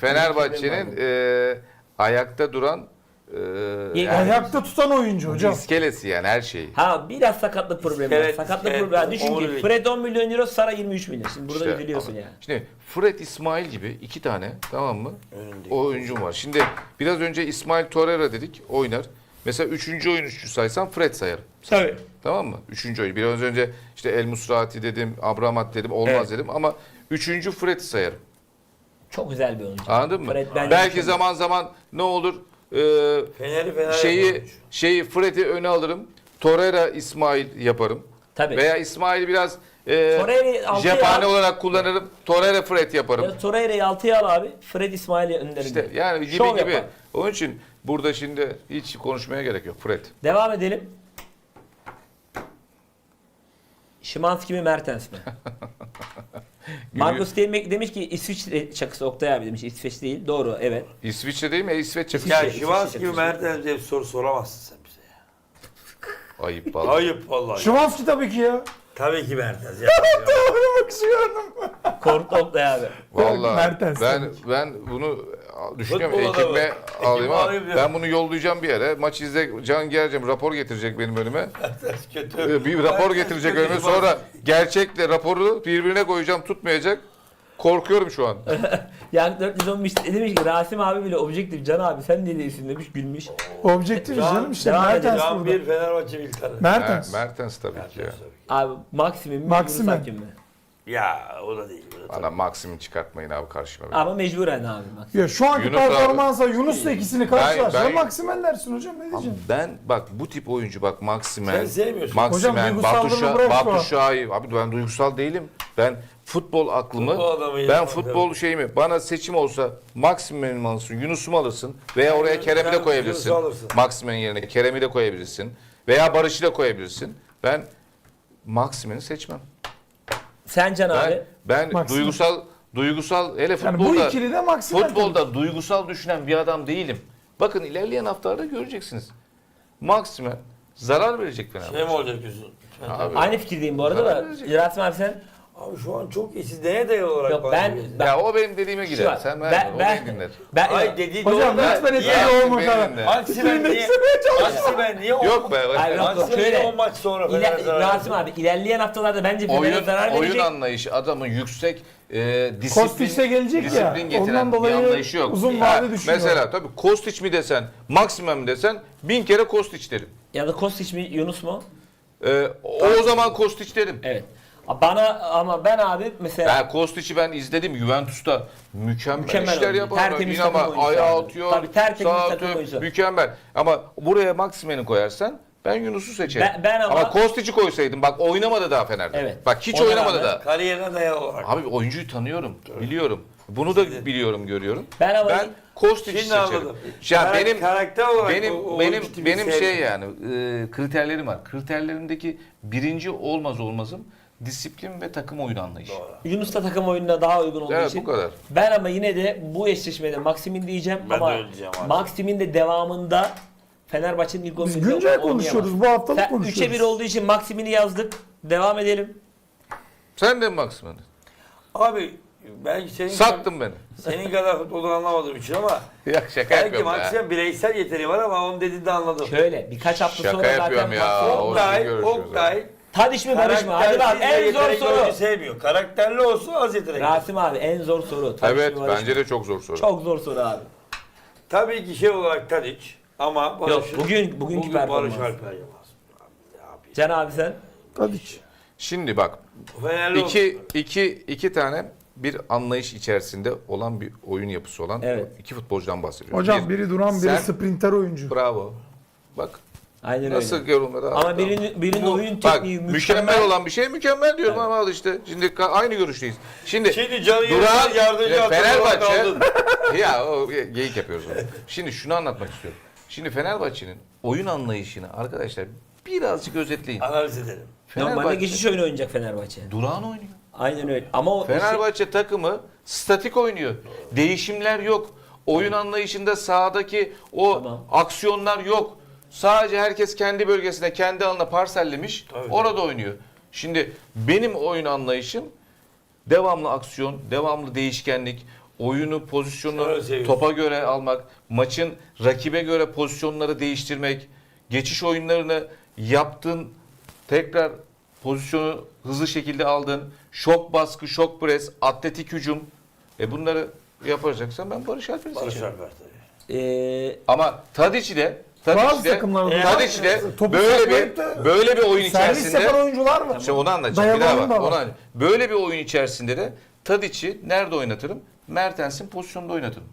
[SPEAKER 4] ayakta duran
[SPEAKER 1] İyi,
[SPEAKER 4] yani
[SPEAKER 2] Ayakta tutan oyuncu hocam.
[SPEAKER 4] iskelesi yani her şeyi.
[SPEAKER 1] Ha biraz sakatlık problemi var.
[SPEAKER 3] Evet,
[SPEAKER 1] Sakatlık
[SPEAKER 3] evet,
[SPEAKER 1] problemi. Düşün ki
[SPEAKER 3] omurilik.
[SPEAKER 1] Fred 10 milyon euro, Sara 23 milyon. Şimdi burada
[SPEAKER 4] İşte,
[SPEAKER 1] üzülüyorsun
[SPEAKER 4] ama-
[SPEAKER 1] yani.
[SPEAKER 4] Şimdi Fred İsmail gibi iki tane tamam mı?
[SPEAKER 3] Önündeki.
[SPEAKER 4] Oyuncum var. Şimdi biraz önce İsmail Torreira dedik oynar. Mesela üçüncü oyuncu saysam Fred sayarım.
[SPEAKER 1] Tabii.
[SPEAKER 4] Tamam mı? Üçüncü oyuncu. Biraz önce işte El Musrati dedim, Abramat dedim, olmaz
[SPEAKER 1] Evet.
[SPEAKER 4] dedim ama üçüncü Fred'i sayarım.
[SPEAKER 1] Çok güzel bir oyuncu.
[SPEAKER 4] Anladın mı?
[SPEAKER 1] Fred bence
[SPEAKER 4] Belki
[SPEAKER 1] mükemmel.
[SPEAKER 4] zaman zaman ne olur?
[SPEAKER 3] Fener'i
[SPEAKER 4] Şeyi Fred'i öne alırım. Torreira İsmail yaparım.
[SPEAKER 1] Tabii.
[SPEAKER 4] Veya İsmail'i biraz
[SPEAKER 1] Torreira'yı altıya
[SPEAKER 4] cephane
[SPEAKER 1] al.
[SPEAKER 4] olarak kullanırım. Torreira Fred yaparım.
[SPEAKER 1] Ya Torreira'yı 6'ya al abi. Fred İsmail'i önlerinde.
[SPEAKER 4] İşte yani gibi
[SPEAKER 1] Şov
[SPEAKER 4] gibi.
[SPEAKER 1] yapar.
[SPEAKER 4] Onun için burada şimdi hiç konuşmaya gerek yok. Fred.
[SPEAKER 1] Devam edelim. Szymanski mi Mertens mi? Marcus Steinbeck demiş ki İsviçre çakısı Oktay abi demiş. İsveç değil. Doğru evet.
[SPEAKER 4] İsviçre değil mi? İsveç çakısı.
[SPEAKER 3] Ya
[SPEAKER 1] İsviçre,
[SPEAKER 3] Şivas gibi
[SPEAKER 1] İsviçre.
[SPEAKER 3] Mertens diye bir soru soramazsın sen bize ya.
[SPEAKER 4] Ayıp vallahi.
[SPEAKER 3] Ayıp vallahi.
[SPEAKER 2] Şıvanski tabii ki ya.
[SPEAKER 3] Tabii ki Mertens. Ya.
[SPEAKER 2] Oynamak istiyorum.
[SPEAKER 1] Korktu Oktay abi.
[SPEAKER 4] Vallahi
[SPEAKER 2] Mertens
[SPEAKER 4] ben bunu düşünüyorum
[SPEAKER 3] Futbol adamı.
[SPEAKER 4] ekibime alayım
[SPEAKER 3] Ekibime
[SPEAKER 4] ama
[SPEAKER 3] alayım diyor.
[SPEAKER 4] ben bunu yollayacağım bir yere. Maç izle Can Gercem rapor getirecek benim önüme.
[SPEAKER 3] Mertens kötü.
[SPEAKER 4] Bir rapor
[SPEAKER 3] Mertens
[SPEAKER 4] getirecek
[SPEAKER 3] kötü.
[SPEAKER 4] önüme. Sonra gerçekle raporu birbirine koyacağım tutmayacak. Korkuyorum şu an.
[SPEAKER 1] Yani 415 demiş ki Rasim abi bile objektif Can abi sen ne değilsin demiş gülmüş.
[SPEAKER 2] Objektif
[SPEAKER 3] Can-
[SPEAKER 2] canım işte
[SPEAKER 1] devam
[SPEAKER 2] Mertens
[SPEAKER 3] Can
[SPEAKER 2] burada.
[SPEAKER 3] bir Fenerbahçe bir tane.
[SPEAKER 2] Mertens.
[SPEAKER 4] Mertens tabii ki ya.
[SPEAKER 3] Mertens tabii ki.
[SPEAKER 1] Abi Maxim'in mi
[SPEAKER 2] Maximin.
[SPEAKER 1] Yunus Akgün mü?
[SPEAKER 3] Ya o da değil. O da
[SPEAKER 4] Bana Maksim'i çıkartmayın abi karşıma.
[SPEAKER 1] Ama mecburen abi Maxim.
[SPEAKER 2] Ya şu anki
[SPEAKER 4] Yunus abi-
[SPEAKER 2] performansa Yunus'la ikisini karşılaştırsa
[SPEAKER 4] ben-
[SPEAKER 2] Maksimen dersin hocam ne
[SPEAKER 4] Ama
[SPEAKER 2] diyeceğim?
[SPEAKER 4] ben bak bu tip oyuncu bak Maksimen,
[SPEAKER 3] Sen sevmiyorsun.
[SPEAKER 2] Hocam
[SPEAKER 4] Maksimen,
[SPEAKER 2] duygusallığını bırak şu an.
[SPEAKER 4] Batu Şahin. Abi ben duygusal değilim. Ben futbol aklımı,
[SPEAKER 3] Futbol adamıyım.
[SPEAKER 4] ben futbol şeyimi, bana seçim olsa Maksimen'i mi alırsın, Yunus'u mu alırsın veya oraya Kerem'i de
[SPEAKER 3] sen
[SPEAKER 4] koyabilirsin.
[SPEAKER 3] Yunus'u alırsın.
[SPEAKER 4] Maksimen'in yerine Kerem'i de koyabilirsin veya Barış'ı da koyabilirsin. Ben Maksimen'i seçmem.
[SPEAKER 1] Sen Can abi.
[SPEAKER 4] Ben
[SPEAKER 2] Maksimen.
[SPEAKER 4] duygusal hele
[SPEAKER 2] Yani bu
[SPEAKER 4] futbolda
[SPEAKER 2] ikili de Maksimen.
[SPEAKER 4] futbolda duygusal düşünen bir adam değilim. Bakın ilerleyen haftalarda göreceksiniz. Maksimen zarar verecek Fenerbahçe.
[SPEAKER 3] Şey mi olacak diyorsun?
[SPEAKER 4] Abi.
[SPEAKER 1] Aynı fikirdeyim bu arada
[SPEAKER 4] Zarar
[SPEAKER 1] da.
[SPEAKER 4] verecek.
[SPEAKER 1] Rasim abi sen?
[SPEAKER 3] Abi şu an çok iyi. Siz neye dayalı olarak
[SPEAKER 1] Yok,
[SPEAKER 3] bana
[SPEAKER 1] ben-
[SPEAKER 3] diyorsunuz?
[SPEAKER 1] ben-
[SPEAKER 4] Ya o benim dediğime
[SPEAKER 1] Şu
[SPEAKER 4] gider.
[SPEAKER 1] var.
[SPEAKER 4] Sen
[SPEAKER 1] Ben-
[SPEAKER 4] ver, o
[SPEAKER 1] ben-
[SPEAKER 4] beni dinler.
[SPEAKER 1] Ben,
[SPEAKER 3] Ay dediği
[SPEAKER 2] Hocam
[SPEAKER 3] doğru da-
[SPEAKER 2] lütfen
[SPEAKER 3] Niye-
[SPEAKER 2] etkili olma kadar.
[SPEAKER 4] Benimle.
[SPEAKER 3] Maksimen niye? Maksimen niye?
[SPEAKER 4] Yok be.
[SPEAKER 1] Hayır, yok,
[SPEAKER 3] Maksimen
[SPEAKER 1] şöyle.
[SPEAKER 3] niye 10 maç sonra Fener'e zarar
[SPEAKER 1] Rasim
[SPEAKER 3] verdi?
[SPEAKER 1] abi ilerleyen haftalarda bence Fener'e zarar
[SPEAKER 4] Oyun
[SPEAKER 1] verecek.
[SPEAKER 4] anlayışı adamın yüksek disiplin,
[SPEAKER 2] Kostic'e gelecek ya.
[SPEAKER 4] disiplin getiren
[SPEAKER 2] Ondan dolayı
[SPEAKER 4] bir anlayışı yok.
[SPEAKER 2] uzun
[SPEAKER 4] Ha,
[SPEAKER 2] vade düşünüyor.
[SPEAKER 4] mesela tabii Kostić mi desen, Maksimen mi desen 1000 kere Kostić derim.
[SPEAKER 1] Ya da Kostić mi Yunus mu?
[SPEAKER 4] O zaman Kostić derim.
[SPEAKER 1] Evet. Ama ben abi mesela
[SPEAKER 4] Ben Kostic'i ben izledim Juventus'ta mükemmel işler
[SPEAKER 1] oyuncu.
[SPEAKER 4] yapar.
[SPEAKER 1] Tertemiz
[SPEAKER 4] Yine ama
[SPEAKER 1] takım oyuncusu
[SPEAKER 4] ayağı
[SPEAKER 1] abi.
[SPEAKER 4] atıyor.
[SPEAKER 1] Tabii, tertemiz
[SPEAKER 4] sağa
[SPEAKER 1] takım
[SPEAKER 4] atıyor,
[SPEAKER 1] oyuncusu.
[SPEAKER 4] mükemmel. Ama buraya Maximen'i koyarsan ben Yunus'u seçerim.
[SPEAKER 1] Ben ama-
[SPEAKER 4] Kostic'i koysaydım bak oynamadı daha Fener'de.
[SPEAKER 1] Evet.
[SPEAKER 4] Bak hiç
[SPEAKER 1] Ona
[SPEAKER 4] oynamadı
[SPEAKER 1] rağmen-
[SPEAKER 4] da.
[SPEAKER 3] Kariyerine dayalı olarak.
[SPEAKER 4] Abi oyuncuyu tanıyorum, biliyorum. Bunu da biliyorum, görüyorum.
[SPEAKER 1] Ben ama-
[SPEAKER 4] Kostic'i
[SPEAKER 3] Şimdi
[SPEAKER 4] seçerim.
[SPEAKER 3] anladım.
[SPEAKER 4] Ya benim
[SPEAKER 3] karakter olarak o
[SPEAKER 4] benim
[SPEAKER 3] oyuncu tipi
[SPEAKER 4] benim şey
[SPEAKER 3] sevmiyorum.
[SPEAKER 4] yani kriterlerim var. Kriterlerimdeki birinci olmazım disiplin ve takım oyunu anlayışı.
[SPEAKER 1] Yunus da takım oyununa daha uygun olduğu
[SPEAKER 4] Evet,
[SPEAKER 1] için.
[SPEAKER 4] bu kadar.
[SPEAKER 1] Ben ama yine de bu eşleşmede Maximin diyeceğim
[SPEAKER 3] Ben de
[SPEAKER 1] ama
[SPEAKER 3] öyle diyeceğim abi.
[SPEAKER 1] Maximin de devamında Fenerbahçe'nin ilk 11'inde
[SPEAKER 2] Biz güncel
[SPEAKER 1] oynayamaz.
[SPEAKER 2] konuşuyoruz. Bu haftalık
[SPEAKER 1] Sen
[SPEAKER 2] konuşuyoruz.
[SPEAKER 1] 3'e 1 olduğu için Maximin'i yazdık. Devam edelim.
[SPEAKER 4] Sen de mi Maximen'i?
[SPEAKER 3] Abi ben
[SPEAKER 4] Sattın beni.
[SPEAKER 3] senin kadar futboldan anlamadığım için ama
[SPEAKER 4] Ya şaka
[SPEAKER 3] belki
[SPEAKER 4] yapıyorum ya.
[SPEAKER 3] Maxim'in bireysel yeteneği var ama onun dediğinde anladım.
[SPEAKER 1] Şöyle birkaç hafta
[SPEAKER 4] Şaka
[SPEAKER 1] sonra zaten
[SPEAKER 4] yapıyorum ya.
[SPEAKER 1] Maxim-
[SPEAKER 4] O-
[SPEAKER 3] Oktay,
[SPEAKER 4] görüşürüz
[SPEAKER 3] Oktay
[SPEAKER 1] Tadiç mi Barış mı? Hadi bak en zor
[SPEAKER 3] yetenekli oyuncu
[SPEAKER 1] soru.
[SPEAKER 3] sevmiyor. Karakterli olsun az yetenekli.
[SPEAKER 1] Rasim abi en zor soru. Tadiç
[SPEAKER 4] Evet
[SPEAKER 1] mi Barış
[SPEAKER 4] bence
[SPEAKER 1] mı?
[SPEAKER 4] de çok zor soru.
[SPEAKER 1] Çok zor soru abi.
[SPEAKER 3] Tabii ki şey olarak Tadic ama Barış'ın
[SPEAKER 1] bugünkü
[SPEAKER 3] bugün
[SPEAKER 1] performans.
[SPEAKER 3] Barış Alper Yılmaz. Abi,
[SPEAKER 1] Can abi sen?
[SPEAKER 2] Tadiç.
[SPEAKER 4] Şimdi bak
[SPEAKER 3] Fenerli olsun.
[SPEAKER 4] iki tane bir anlayış içerisinde olan bir oyun yapısı olan
[SPEAKER 1] Evet.
[SPEAKER 4] iki futbolcudan bahsediyoruz.
[SPEAKER 2] Hocam biri duran biri
[SPEAKER 4] sen-
[SPEAKER 2] sprinter oyuncu.
[SPEAKER 4] Bravo. Bak
[SPEAKER 1] Aynen
[SPEAKER 4] nasıl
[SPEAKER 1] öyle.
[SPEAKER 4] yorumladı.
[SPEAKER 1] Ama birinin oyun
[SPEAKER 4] Bak,
[SPEAKER 1] tekniği
[SPEAKER 4] mükemmel olan bir şey mükemmel diyorum ama al işte. Şimdi aynı görüşteyiz. Şimdi
[SPEAKER 3] Şimdi Can'ı
[SPEAKER 4] Duran
[SPEAKER 3] yardımcı
[SPEAKER 4] Fenerbahçe
[SPEAKER 3] kaldın.
[SPEAKER 4] ya o geyik yapıyoruz onu. Şimdi şunu anlatmak istiyorum. Şimdi Fenerbahçe'nin oyun anlayışını arkadaşlar birazcık özetleyin.
[SPEAKER 3] Analiz edelim.
[SPEAKER 1] Normalde geçiş oyunu oynayacak Fenerbahçe.
[SPEAKER 4] Duran oynuyor.
[SPEAKER 1] Aynen öyle. Ama o
[SPEAKER 4] Fenerbahçe takımı statik oynuyor. Değişimler yok. Oyun anlayışında sahadaki o
[SPEAKER 1] Tamam.
[SPEAKER 4] aksiyonlar yok. Sadece herkes kendi bölgesine, kendi alanına parsellemiş.
[SPEAKER 3] Tabii.
[SPEAKER 4] Orada oynuyor. Şimdi benim oyun anlayışım devamlı aksiyon, devamlı değişkenlik, oyunu, pozisyonu
[SPEAKER 3] Öyle seviyorsun.
[SPEAKER 4] topa göre almak, maçın rakibe göre pozisyonları değiştirmek, geçiş oyunlarını yaptın, tekrar pozisyonu hızlı şekilde aldın, şok baskı, şok pres, atletik hücum. Bunları yapacaksan ben Barış Alper'i
[SPEAKER 3] Barış
[SPEAKER 4] seçerim.
[SPEAKER 3] Alper tabii.
[SPEAKER 4] Ama Tadiç'i de
[SPEAKER 2] Bazı takımlarda
[SPEAKER 4] Tadiç'i de
[SPEAKER 2] topu
[SPEAKER 4] böyle
[SPEAKER 2] saklayıp da
[SPEAKER 4] bir oyun
[SPEAKER 2] servis
[SPEAKER 4] içerisinde
[SPEAKER 2] yapan oyuncular var.
[SPEAKER 4] işte onu anlatacağım. Bir
[SPEAKER 2] Dayalı
[SPEAKER 4] daha
[SPEAKER 2] oyun
[SPEAKER 4] bak.
[SPEAKER 2] da var.
[SPEAKER 4] Onu anlatacağım. Böyle bir oyun içerisinde de Tadiç'i nerede oynatırım? Mertens'in pozisyonunda oynatırım.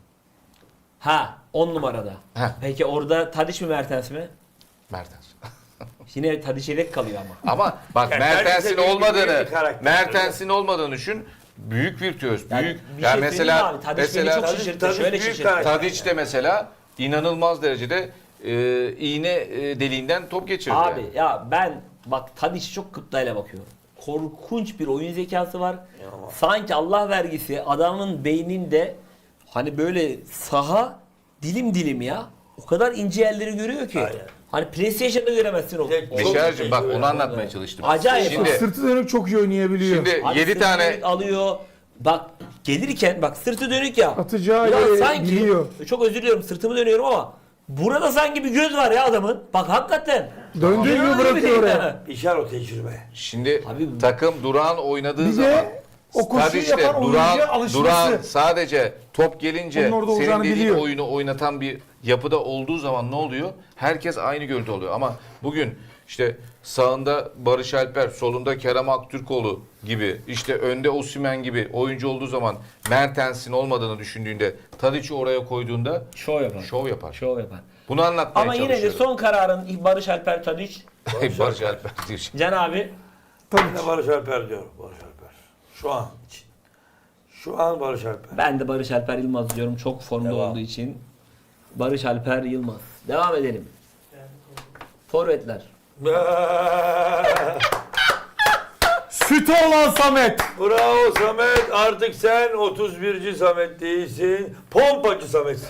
[SPEAKER 1] Ha 10 numarada.
[SPEAKER 4] Heh.
[SPEAKER 1] Peki orada Tadiç mi Mertens mi?
[SPEAKER 4] Mertens.
[SPEAKER 1] Yine Tadiç yedek kalıyor ama.
[SPEAKER 4] Ama bak
[SPEAKER 3] Yani
[SPEAKER 4] Mertens'in
[SPEAKER 3] büyük
[SPEAKER 4] olmadığını,
[SPEAKER 3] bir karakter.
[SPEAKER 4] Mertens'in olmadığını düşün. Büyük virtüöz.
[SPEAKER 1] Yani
[SPEAKER 4] Büyük.
[SPEAKER 1] bir
[SPEAKER 4] Yani
[SPEAKER 1] şey söyleyeyim mi
[SPEAKER 4] mesela
[SPEAKER 1] abi? Tadiç beni çok şaşırttı.
[SPEAKER 3] Tadiç
[SPEAKER 1] Şöyle
[SPEAKER 3] büyük
[SPEAKER 1] şaşırttı.
[SPEAKER 3] karakter.
[SPEAKER 4] Tadiç de mesela inanılmaz derecede iğne deliğinden top geçirdi.
[SPEAKER 1] Abi
[SPEAKER 4] yani.
[SPEAKER 1] ya ben bak Tadiç'e çok gıptayla bakıyorum. Korkunç bir oyun zekası var. Sanki Allah vergisi adamın beyninde hani böyle saha dilim dilim ya. O kadar ince yerleri görüyor ki.
[SPEAKER 3] Aynen.
[SPEAKER 1] Hani PlayStation'da göremezsin o.
[SPEAKER 3] Tek-
[SPEAKER 4] Beşer'cim bak
[SPEAKER 3] Çok-
[SPEAKER 4] onu anlatmaya çalıştım.
[SPEAKER 1] Acayip.
[SPEAKER 4] Şimdi,
[SPEAKER 2] Sırtı dönük çok iyi oynayabiliyor.
[SPEAKER 4] şimdi
[SPEAKER 1] Abi
[SPEAKER 4] 7
[SPEAKER 1] sırtı
[SPEAKER 4] tane
[SPEAKER 1] dönük alıyor. Bak gelirken bak sırtı dönük ya.
[SPEAKER 2] Atacağı
[SPEAKER 1] Ya
[SPEAKER 2] yeri
[SPEAKER 1] sanki
[SPEAKER 2] biliyor.
[SPEAKER 1] çok özür diliyorum sırtımı dönüyorum ama burada sanki bir göz var ya adamın. Bak hakikaten.
[SPEAKER 2] Döndüğü gibi bırakıyor oraya.
[SPEAKER 3] İşar o tecrübe.
[SPEAKER 4] şimdi
[SPEAKER 1] Abi-
[SPEAKER 4] takım Duran oynadığı
[SPEAKER 2] Bir
[SPEAKER 4] zaman
[SPEAKER 2] de o koşuyu
[SPEAKER 4] Tadiç'te
[SPEAKER 2] yapan oyuncuya alışması.
[SPEAKER 4] Duran sadece top gelince
[SPEAKER 2] Onun orada
[SPEAKER 4] senin
[SPEAKER 2] olacağını
[SPEAKER 4] dediğin
[SPEAKER 2] biliyor.
[SPEAKER 4] oyunu oynatan bir yapıda olduğu zaman ne oluyor? Herkes aynı gölde oluyor. Ama bugün işte sağında Barış Alper, solunda Kerem Aktürkoğlu gibi, işte önde Osimhen gibi oyuncu olduğu zaman Mertens'in olmadığını düşündüğünde, Tadiç'i oraya koyduğunda
[SPEAKER 1] Şov yapar.
[SPEAKER 4] şov yapar.
[SPEAKER 1] Şov yapar.
[SPEAKER 4] Bunu anlatmaya
[SPEAKER 1] Ama yine de
[SPEAKER 4] çalışıyorum.
[SPEAKER 1] son kararın Barış Alper Tadiç.
[SPEAKER 4] Barış Alper diyor.
[SPEAKER 1] Can abi
[SPEAKER 3] Ben de Barış Alper diyorum. Barış Alper. Şu an için. Şu an Barış Alper.
[SPEAKER 1] ben de Barış Alper Yılmaz diyorum çok formda
[SPEAKER 3] Devam.
[SPEAKER 1] olduğu için. Barış Alper Yılmaz. Devam edelim. Forvetler.
[SPEAKER 2] Sütü olan Samet.
[SPEAKER 3] Bravo Samet. Artık sen 31. Samet değilsin. Pompacı Samet'sin.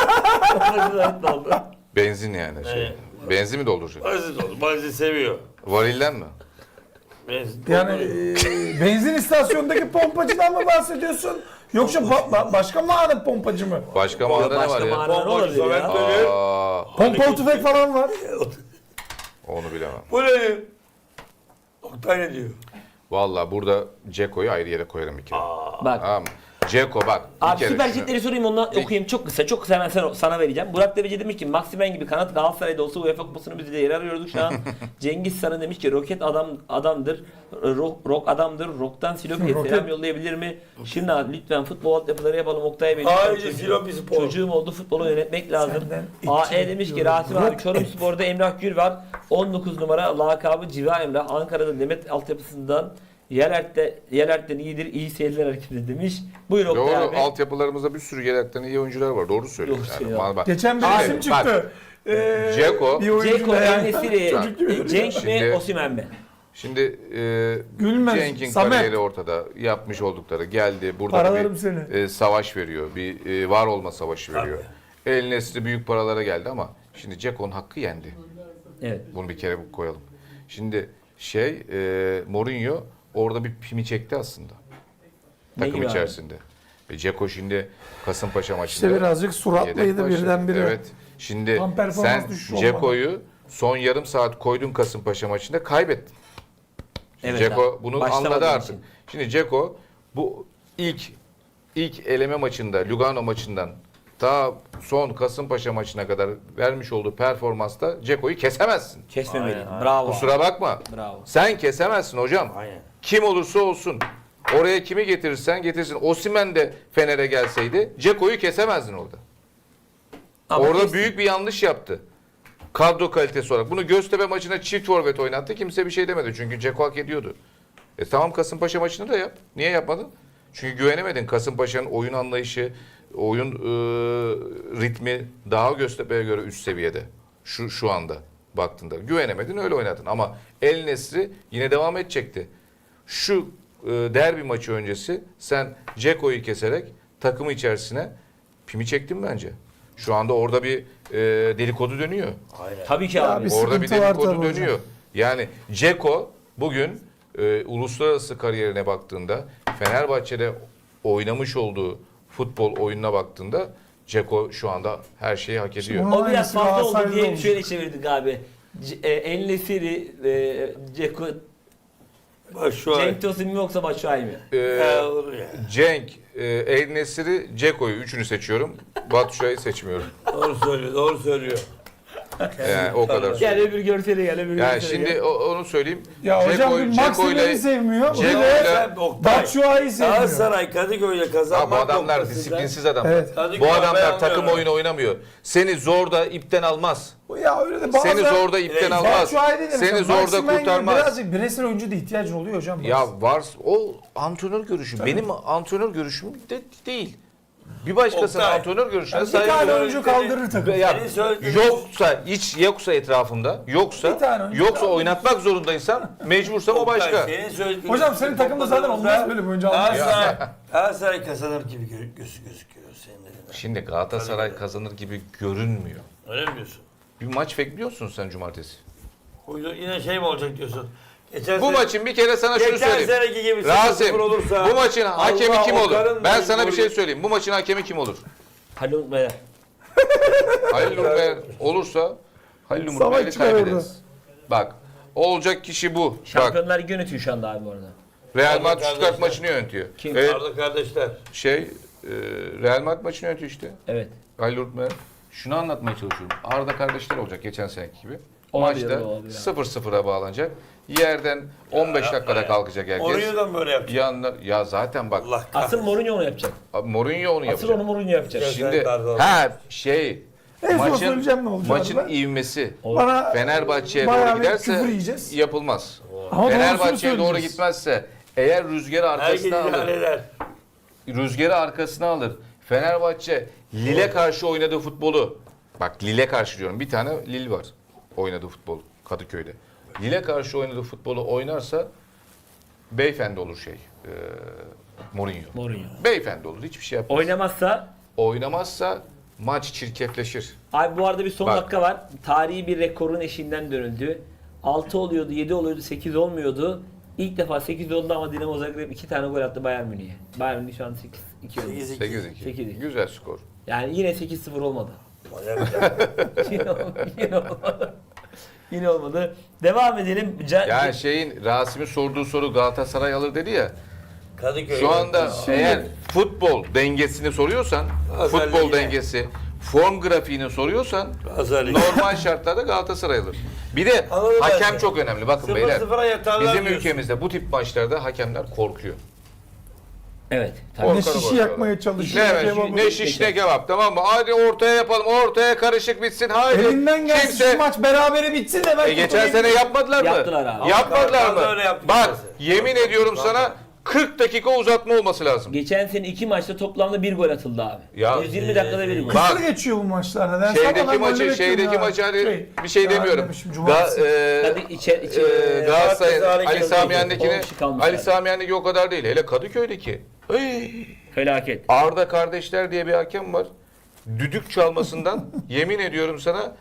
[SPEAKER 4] Benzin yani.
[SPEAKER 3] Evet.
[SPEAKER 4] Benzin mi dolduracak?
[SPEAKER 3] Basit oldu. Basit seviyor.
[SPEAKER 4] Varilden mi?
[SPEAKER 3] Benzin.
[SPEAKER 2] Yani benzin istasyonundaki pompacıdan mı bahsediyorsun? Yoksa başka mağara pompacı mı?
[SPEAKER 4] Başka mağarada ne var
[SPEAKER 1] Başka
[SPEAKER 4] ya?
[SPEAKER 1] mağara ne
[SPEAKER 3] Pompacı
[SPEAKER 1] olabilir ya?
[SPEAKER 3] Samet böyle.
[SPEAKER 2] Pompalı tüfek falan var.
[SPEAKER 4] Onu bilemem.
[SPEAKER 3] Bu ne? Oktay ne diyor?
[SPEAKER 4] Vallahi burada Ceko'yu ayrı yere koyarım bir kere.
[SPEAKER 1] Bak
[SPEAKER 4] Tamam mı? Ceko bak. bir
[SPEAKER 1] Abi
[SPEAKER 4] kere
[SPEAKER 1] süper
[SPEAKER 4] şunu-
[SPEAKER 1] jetleri sorayım ondan okuyayım. Çok kısa. Çok kısa hemen sana vereceğim. Burak Deveci demiş ki Maximen gibi kanat Galatasaray'da olsa UEFA kupasını biz de yer arıyorduk şu an. Cengiz Sarı demiş ki roket adamdır. Rock adamdır. Rock'tan Silopi'ye
[SPEAKER 2] Roket.
[SPEAKER 1] selam yollayabilir mi? Şimdi lütfen futbol altyapıları yapalım. Oktay Bey.
[SPEAKER 3] Haydi
[SPEAKER 1] lütfen
[SPEAKER 3] Silopi Spor.
[SPEAKER 1] Çocuğum oldu futbolu yönetmek lazım.
[SPEAKER 2] Senden
[SPEAKER 1] AE demiş ki
[SPEAKER 2] bekliyorum.
[SPEAKER 1] Rasim abi Çorum Spor'da Emrah Gül var. 19 numara lakabı Civa Emrah. Ankara'da Demet altyapısından Yelert'ten iyidir. İyi seyirler hareketi demiş. Buyur Oktay
[SPEAKER 4] Doğru,
[SPEAKER 1] abi.
[SPEAKER 4] altyapılarımızda bir sürü yedekten iyi oyuncular var. Doğru söylüyor.
[SPEAKER 1] Doğru
[SPEAKER 4] Yani.
[SPEAKER 1] söylüyor.
[SPEAKER 4] Bak,
[SPEAKER 2] Geçen bir
[SPEAKER 4] Abi,
[SPEAKER 2] isim
[SPEAKER 4] bak,
[SPEAKER 2] çıktı.
[SPEAKER 4] Ceko.
[SPEAKER 2] Bir oyuncu
[SPEAKER 1] Ceko,
[SPEAKER 2] da yani.
[SPEAKER 1] En-Nesyri,
[SPEAKER 2] Çocuk gibi duruyor.
[SPEAKER 1] Cenk mi,
[SPEAKER 4] Şimdi-
[SPEAKER 1] Osimhen mi?
[SPEAKER 4] Şimdi
[SPEAKER 2] Gülmez,
[SPEAKER 4] Cenk'in
[SPEAKER 2] Samet.
[SPEAKER 4] kariyeri ortada. Yapmış oldukları geldi. Burada
[SPEAKER 2] Paralarım
[SPEAKER 4] bir
[SPEAKER 2] seni.
[SPEAKER 4] savaş veriyor. Bir var olma savaşı veriyor. El Nesri büyük paralara geldi ama şimdi Ceko'nun hakkı yendi.
[SPEAKER 1] Evet.
[SPEAKER 4] Bunu bir kere koyalım. Şimdi Mourinho orada bir pimi çekti aslında.
[SPEAKER 1] Ne
[SPEAKER 4] Takım
[SPEAKER 1] gibi abi?
[SPEAKER 4] içerisinde. Ceko şimdi Kasımpaşa maçında.
[SPEAKER 2] İşte birazcık
[SPEAKER 4] yedek
[SPEAKER 2] suratlıydı
[SPEAKER 4] başladı.
[SPEAKER 2] birdenbire.
[SPEAKER 4] Evet. Şimdi
[SPEAKER 2] Tam performans
[SPEAKER 4] sen
[SPEAKER 2] düşüşü
[SPEAKER 4] Ceko'yu son yarım saat koydun Kasımpaşa maçında kaybettin.
[SPEAKER 1] Evet
[SPEAKER 4] Ceko
[SPEAKER 1] abi.
[SPEAKER 4] bunu
[SPEAKER 1] Başlamadığı
[SPEAKER 4] anladı artık.
[SPEAKER 1] için.
[SPEAKER 4] Şimdi Ceko bu ilk eleme maçında Lugano maçından ta son Kasımpaşa maçına kadar vermiş olduğu performansta Ceko'yu kesemezsin.
[SPEAKER 1] Kesmemeliydi.
[SPEAKER 3] Aynen, aynen.
[SPEAKER 1] Bravo.
[SPEAKER 4] Kusura bakma.
[SPEAKER 1] Bravo.
[SPEAKER 4] Sen kesemezsin hocam.
[SPEAKER 3] Aynen.
[SPEAKER 4] Kim olursa olsun. Oraya kimi getirirsen getirsin. Osimhen de Fener'e gelseydi Ceko'yu kesemezdin orada.
[SPEAKER 1] Ama
[SPEAKER 4] Orada
[SPEAKER 1] kesti.
[SPEAKER 4] büyük bir yanlış yaptı. Kadro kalitesi olarak. Bunu Göztepe maçına çift forvet oynattı. Kimse bir şey demedi. Çünkü Ceko hak ediyordu. Tamam Kasımpaşa maçını da yap. Niye yapmadın? Çünkü güvenemedin. Kasımpaşa'nın oyun anlayışı, oyun ritmi daha Göztepe'ye göre üst seviyede. Şu anda baktığında. Güvenemedin öyle oynadın. Ama El Nesri yine devam edecekti. Şu derbi maçı öncesi sen Ceko'yu keserek takımı içerisine pimi çektin bence. Şu anda orada bir dedikodu dönüyor.
[SPEAKER 3] Aynen.
[SPEAKER 1] Tabii ki
[SPEAKER 2] Ya
[SPEAKER 1] abi.
[SPEAKER 2] bir
[SPEAKER 4] Orada bir
[SPEAKER 2] sıkıntı var
[SPEAKER 4] dedikodu
[SPEAKER 2] tabii hocam.
[SPEAKER 4] dönüyor. Yani Ceko bugün uluslararası kariyerine baktığında Fenerbahçe'de oynamış olduğu futbol oyununa baktığında Ceko şu anda her şeyi hak ediyor.
[SPEAKER 2] Bunu-
[SPEAKER 1] O biraz
[SPEAKER 2] Aynısı
[SPEAKER 1] fazla oldu
[SPEAKER 2] Galatasaray'da
[SPEAKER 1] diye
[SPEAKER 2] olmuş.
[SPEAKER 1] şöyle çevirdik abi. En-Nesyri, Ceko,
[SPEAKER 3] Başşuay.
[SPEAKER 1] Cenk Tosun mu yoksa Başuay mı?
[SPEAKER 3] Olur ya.
[SPEAKER 4] Cenk, El Nesri, Ceko'yu üçünü seçiyorum. Batshuayi'yi seçmiyorum.
[SPEAKER 3] Doğru söylüyor, doğru söylüyor.
[SPEAKER 4] Yani o kadar.
[SPEAKER 1] Gel öbür görsele gel öbür
[SPEAKER 4] Yani
[SPEAKER 1] görsele
[SPEAKER 4] şimdi
[SPEAKER 1] gel.
[SPEAKER 4] onu söyleyeyim.
[SPEAKER 2] Ya hocam bir
[SPEAKER 4] Ceko'yla-
[SPEAKER 2] Maximen'i sevmiyor. Bir
[SPEAKER 4] Ceko'yla-
[SPEAKER 2] de
[SPEAKER 3] Sen Oktay,
[SPEAKER 2] Batshuayi'yi sevmiyor.
[SPEAKER 3] Galatasaray Kadıköy'de
[SPEAKER 4] Ha,
[SPEAKER 3] kazanmak
[SPEAKER 4] bu adamlar
[SPEAKER 3] noktasında-
[SPEAKER 4] disiplinsiz adamlar.
[SPEAKER 2] Evet.
[SPEAKER 3] Kadıköy
[SPEAKER 4] Bu adamlar
[SPEAKER 3] beğenmiyorum.
[SPEAKER 4] takım oyunu oynamıyor. Seni zorda ipten almaz.
[SPEAKER 2] Ya öyle de bazen...
[SPEAKER 4] Seni zorda ipten
[SPEAKER 3] Batshuayi
[SPEAKER 4] almaz.
[SPEAKER 2] Batshuayi değil de
[SPEAKER 4] Seni
[SPEAKER 2] mesela
[SPEAKER 4] zorda
[SPEAKER 2] Maximen gibi
[SPEAKER 4] kurtarmaz.
[SPEAKER 2] Birazcık bireysel oyuncu da ihtiyacın oluyor hocam.
[SPEAKER 4] Ya var o antrenör görüşü. Benim antrenör görüşüm de değil. Bir başkasının
[SPEAKER 3] Oktay.
[SPEAKER 4] antrenör görüşüne
[SPEAKER 2] Bir
[SPEAKER 4] saygı
[SPEAKER 2] tane
[SPEAKER 4] duyuyorum.
[SPEAKER 2] oyuncu kaldırır takım.
[SPEAKER 4] Ya,
[SPEAKER 3] Senin söylediğin-
[SPEAKER 4] yoksa etrafımda,
[SPEAKER 2] Bir
[SPEAKER 4] yoksa
[SPEAKER 2] tane oyuncu
[SPEAKER 4] oynatmak zorundaysam mecbursam o
[SPEAKER 3] Oktay,
[SPEAKER 4] başka.
[SPEAKER 3] senin söylediğin-
[SPEAKER 2] Hocam senin takımda zaten olmaz böyle bir oyuncu almaz.
[SPEAKER 3] Galatasaray kazanır gibi gözüküyor senin dediğin.
[SPEAKER 4] Şimdi Galatasaray kazanır gibi görünmüyor.
[SPEAKER 3] Öyle mi diyorsun?
[SPEAKER 4] Bir maç bekliyorsun sen cumartesi.
[SPEAKER 3] Yine şey mi olacak diyorsun? Geçen
[SPEAKER 4] Bu
[SPEAKER 3] sene-
[SPEAKER 4] maçın bir kere sana şunu
[SPEAKER 3] Geçen
[SPEAKER 4] söyleyeyim.
[SPEAKER 3] seneki gibi
[SPEAKER 4] Rasim,
[SPEAKER 3] 0-0 olursa
[SPEAKER 4] bu maçın hakemi
[SPEAKER 3] Allah
[SPEAKER 4] kim
[SPEAKER 3] o
[SPEAKER 4] olur?
[SPEAKER 3] karın
[SPEAKER 4] Ben
[SPEAKER 3] da
[SPEAKER 4] sana bir
[SPEAKER 3] golü-
[SPEAKER 4] şey söyleyeyim. Bu maçın hakemi kim olur?
[SPEAKER 1] Halil Unutmay'a.
[SPEAKER 4] Halil Umber olursa Halil
[SPEAKER 2] Savaş
[SPEAKER 4] Umber'i
[SPEAKER 2] çıkar
[SPEAKER 4] kaybederiz. Bak, olacak kişi bu. Bak,
[SPEAKER 1] Şampiyonlar Ligi yönetiyor şu anda abi bu arada.
[SPEAKER 4] Real
[SPEAKER 3] Arda
[SPEAKER 4] Madrid Stuttgart
[SPEAKER 3] kardeşler.
[SPEAKER 4] maçını yönetiyor.
[SPEAKER 1] Kim?
[SPEAKER 3] Arda kardeşler.
[SPEAKER 4] Real Madrid maçını yönetiyor işte.
[SPEAKER 1] Evet.
[SPEAKER 4] Halil Umber. Şunu anlatmaya çalışıyorum. Arda kardeşler olacak geçen seneki gibi.
[SPEAKER 1] Olabilir,
[SPEAKER 4] Maçta
[SPEAKER 1] olabilir.
[SPEAKER 4] 0-0'a bağlanacak. Yerden 15 dakikada kalkacak herkes.
[SPEAKER 3] Orayı da mı böyle yapacak?
[SPEAKER 4] Yanlar, ya zaten bak
[SPEAKER 3] Allah
[SPEAKER 1] Asıl
[SPEAKER 3] kahretsin.
[SPEAKER 1] Mourinho onu yapacak.
[SPEAKER 4] Mourinho onu
[SPEAKER 1] Asıl
[SPEAKER 4] yapacak.
[SPEAKER 1] onu Mourinho yapacak.
[SPEAKER 3] Şimdi-
[SPEAKER 4] Şimdi
[SPEAKER 2] En son söyleyeceğim ne olacak
[SPEAKER 4] maçın
[SPEAKER 2] abi?
[SPEAKER 4] ivmesi
[SPEAKER 2] Bana
[SPEAKER 4] Fenerbahçe'ye
[SPEAKER 2] bayağı
[SPEAKER 4] doğru
[SPEAKER 2] bir
[SPEAKER 4] giderse
[SPEAKER 2] küfür yiyeceğiz.
[SPEAKER 4] yapılmaz.
[SPEAKER 2] Ama
[SPEAKER 4] Fenerbahçe'ye
[SPEAKER 2] doğrusunu
[SPEAKER 4] doğru
[SPEAKER 2] söyleyeceğiz.
[SPEAKER 4] gitmezse eğer rüzgarı
[SPEAKER 3] Herkes
[SPEAKER 4] arkasına alır,
[SPEAKER 3] idare eder.
[SPEAKER 4] rüzgarı arkasına alır. Fenerbahçe Lille karşı oynadığı futbolu, bak Lille karşı diyorum, bir tane Lille var oynadığı futbol Kadıköy'de. Lille karşı oynadığı futbolu oynarsa beyefendi olur Mourinho.
[SPEAKER 1] Mourinho.
[SPEAKER 4] Beyefendi olur, hiçbir şey yapmaz.
[SPEAKER 1] Oynamazsa
[SPEAKER 4] Oynamazsa maç çirkefleşir.
[SPEAKER 1] abi bu arada bir son
[SPEAKER 4] Bak.
[SPEAKER 1] dakika var. Tarihi bir rekorun eşiğinden dönüldü. 6 oluyordu, 7 oluyordu, 8 olmuyordu. İlk defa 8 oldu ama Dinamo Zagreb 2 tane gol attı Bayern Münih'e. Bayern Münih şu an 2 önde.
[SPEAKER 3] 8-2.
[SPEAKER 4] 8-2.
[SPEAKER 1] 8-2.
[SPEAKER 4] Güzel skor.
[SPEAKER 1] Yani yine 8-0 olmadı.
[SPEAKER 3] Manyak ya.
[SPEAKER 1] Yine olmadı. Yine olmadı. Devam edelim.
[SPEAKER 4] Yani Rasim'in sorduğu soru Galatasaray alır dedi ya.
[SPEAKER 3] Kadıköy.
[SPEAKER 4] Şu anda
[SPEAKER 2] Şimdi-
[SPEAKER 4] eğer futbol dengesini soruyorsan,
[SPEAKER 3] Galatasaray
[SPEAKER 4] futbol
[SPEAKER 3] yine.
[SPEAKER 4] dengesi, form grafiğini soruyorsan
[SPEAKER 3] Galatasaray.
[SPEAKER 4] normal şartlarda Galatasaray alır. Bir de
[SPEAKER 3] Anladım ben
[SPEAKER 4] hakem
[SPEAKER 3] de.
[SPEAKER 4] çok önemli. Bakın
[SPEAKER 3] 0-0'a
[SPEAKER 4] beyler.
[SPEAKER 3] yatarlar
[SPEAKER 4] Bizim
[SPEAKER 3] diyorsun.
[SPEAKER 4] ülkemizde bu tip maçlarda hakemler korkuyor.
[SPEAKER 1] Evet.
[SPEAKER 2] Ne
[SPEAKER 4] Korkarım
[SPEAKER 2] şişi
[SPEAKER 4] orada.
[SPEAKER 2] yakmaya çalışıyor.
[SPEAKER 4] Ne,
[SPEAKER 2] kebabı.
[SPEAKER 4] ne şiş ne kebap, tamam mı? Hadi ortaya yapalım. Ortaya karışık bitsin. Haydi.
[SPEAKER 2] Elinden gelsin şu maç berabere bitsin de ben
[SPEAKER 4] Geçen sene yapmadılar mı?
[SPEAKER 1] Yaptılar abi.
[SPEAKER 4] Yapmadılar
[SPEAKER 3] Ama
[SPEAKER 4] mı?
[SPEAKER 3] öyle yaptı
[SPEAKER 4] Bak
[SPEAKER 3] mesela.
[SPEAKER 4] yemin ediyorum sana 40 dakika uzatma olması lazım.
[SPEAKER 1] Geçen sene 2 maçta toplamda 1 gol atıldı abi.
[SPEAKER 4] Ya,
[SPEAKER 1] 120 dakikada 1 gol.
[SPEAKER 4] Bak,
[SPEAKER 2] Kısır geçiyor bu maçlar. Nedense ama
[SPEAKER 4] Şeydeki
[SPEAKER 2] ben
[SPEAKER 4] maçı,
[SPEAKER 2] golü
[SPEAKER 4] şeydeki
[SPEAKER 2] bekliyorum
[SPEAKER 4] maçı
[SPEAKER 2] ya.
[SPEAKER 4] hani bir şey demiyorum.
[SPEAKER 2] demişim, cumartesi.
[SPEAKER 1] Hadi
[SPEAKER 4] Galatasaray'ın
[SPEAKER 3] Galatasaray
[SPEAKER 4] Ali Sami Yen'dekini,
[SPEAKER 1] 10 kişi kalmış
[SPEAKER 4] Ali
[SPEAKER 1] abi.
[SPEAKER 4] Sami Yen'deki o kadar değil. Hele Kadıköy'deki. Ay,
[SPEAKER 1] Felaket.
[SPEAKER 4] Arda kardeşler diye bir hakem var. Düdük çalmasından yemin ediyorum sana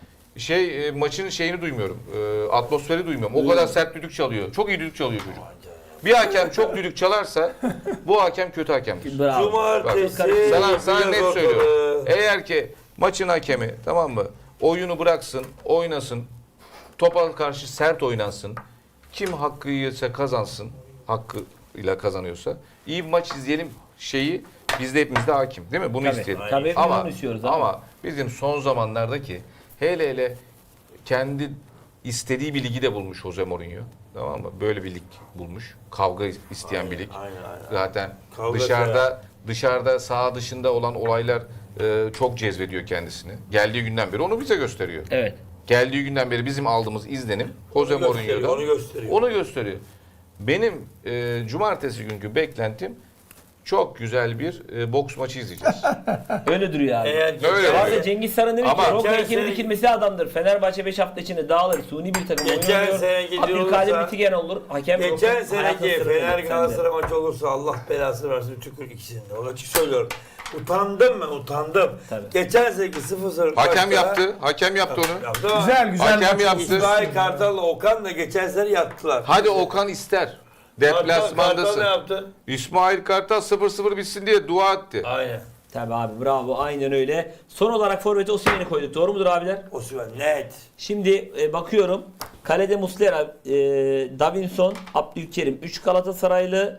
[SPEAKER 4] maçın şeyini duymuyorum. Atmosferi duymuyorum. O kadar sert düdük çalıyor. Çok iyi düdük çalıyor çocuk. Bir hakem çok düdük çalarsa bu hakem kötü hakemdir.
[SPEAKER 1] Bravo.
[SPEAKER 3] Cumartesi.
[SPEAKER 4] Sana net
[SPEAKER 3] yapıyoruz
[SPEAKER 4] söylüyorum.
[SPEAKER 3] ortalığı.
[SPEAKER 4] Eğer ki maçın hakemi, tamam mı, oyunu bıraksın, oynasın, topa karşı sert oynansın, kim hakkı yiyorsa kazansın, hakkıyla kazanıyorsa, iyi bir maç izleyelim şeyi bizde hepimizde hakim, değil mi? Bunu
[SPEAKER 1] Tabii.
[SPEAKER 4] isteyelim.
[SPEAKER 1] Tabii hepimiz
[SPEAKER 4] Ama,
[SPEAKER 1] bunu istiyoruz abi.
[SPEAKER 4] ama bizim son zamanlardaki hele kendi istediği bir ligi de bulmuş Jose Mourinho. Tamam mı? Böyle bir lig bulmuş. Kavga isteyen bir lig.
[SPEAKER 3] Aynen.
[SPEAKER 4] Zaten
[SPEAKER 3] Kavga
[SPEAKER 4] dışarıda saha dışında olan olaylar çok cezbediyor kendisini. Geldiği günden beri onu bize gösteriyor.
[SPEAKER 1] Evet.
[SPEAKER 4] Geldiği günden beri bizim aldığımız izlenim Jose Mourinho'da
[SPEAKER 3] Onu gösteriyor.
[SPEAKER 4] onu gösteriyor. Benim cumartesi günkü beklentim çok güzel bir boks maçı izleyeceğiz.
[SPEAKER 1] Öyle duruyor abi.
[SPEAKER 4] Öyle.
[SPEAKER 1] Abi Cengiz Saran demiş
[SPEAKER 4] Ama
[SPEAKER 1] ki Roka
[SPEAKER 3] geçen
[SPEAKER 1] Ekin'in
[SPEAKER 3] sene-
[SPEAKER 1] dikilmesi adamdır. Fenerbahçe 5 hafta içinde dağılır. Suni bir takım
[SPEAKER 3] Geçen
[SPEAKER 1] oynuyor.
[SPEAKER 3] sene gidiyor
[SPEAKER 1] Abdülkadir
[SPEAKER 3] olursa-
[SPEAKER 1] Bitigen olur. Hakem
[SPEAKER 3] Geçen
[SPEAKER 1] Roka hayatın
[SPEAKER 3] seneki
[SPEAKER 1] sırrı
[SPEAKER 3] Fener
[SPEAKER 1] yok
[SPEAKER 3] Galatasaray maçı olursa Allah belasını versin tükür ikisinde. Onu açık söylüyorum. Utandım ben, utandım.
[SPEAKER 1] Tabii.
[SPEAKER 3] Geçen seneki 0-0
[SPEAKER 4] Hakem
[SPEAKER 3] maçta-
[SPEAKER 4] Hakem yaptı onu.
[SPEAKER 3] Yaptı ama
[SPEAKER 2] Güzel
[SPEAKER 4] Hakem
[SPEAKER 2] maç.
[SPEAKER 4] yaptı.
[SPEAKER 3] İsmail Kartal'la Okan da geçen sene yattılar.
[SPEAKER 4] Hadi Okan ister.
[SPEAKER 3] Kartal
[SPEAKER 4] Deplasmandasın.
[SPEAKER 3] ne yaptı?
[SPEAKER 4] İsmail Kartal 0-0 bitsin diye dua etti.
[SPEAKER 3] Aynen.
[SPEAKER 1] Tabii abi bravo aynen öyle. Son olarak forvete Osimhen'i koyduk. Doğru mudur abiler?
[SPEAKER 3] Osimhen net.
[SPEAKER 1] Şimdi bakıyorum. Kalede Muslera, Davinson, Abdülkerim 3 Galatasaraylı,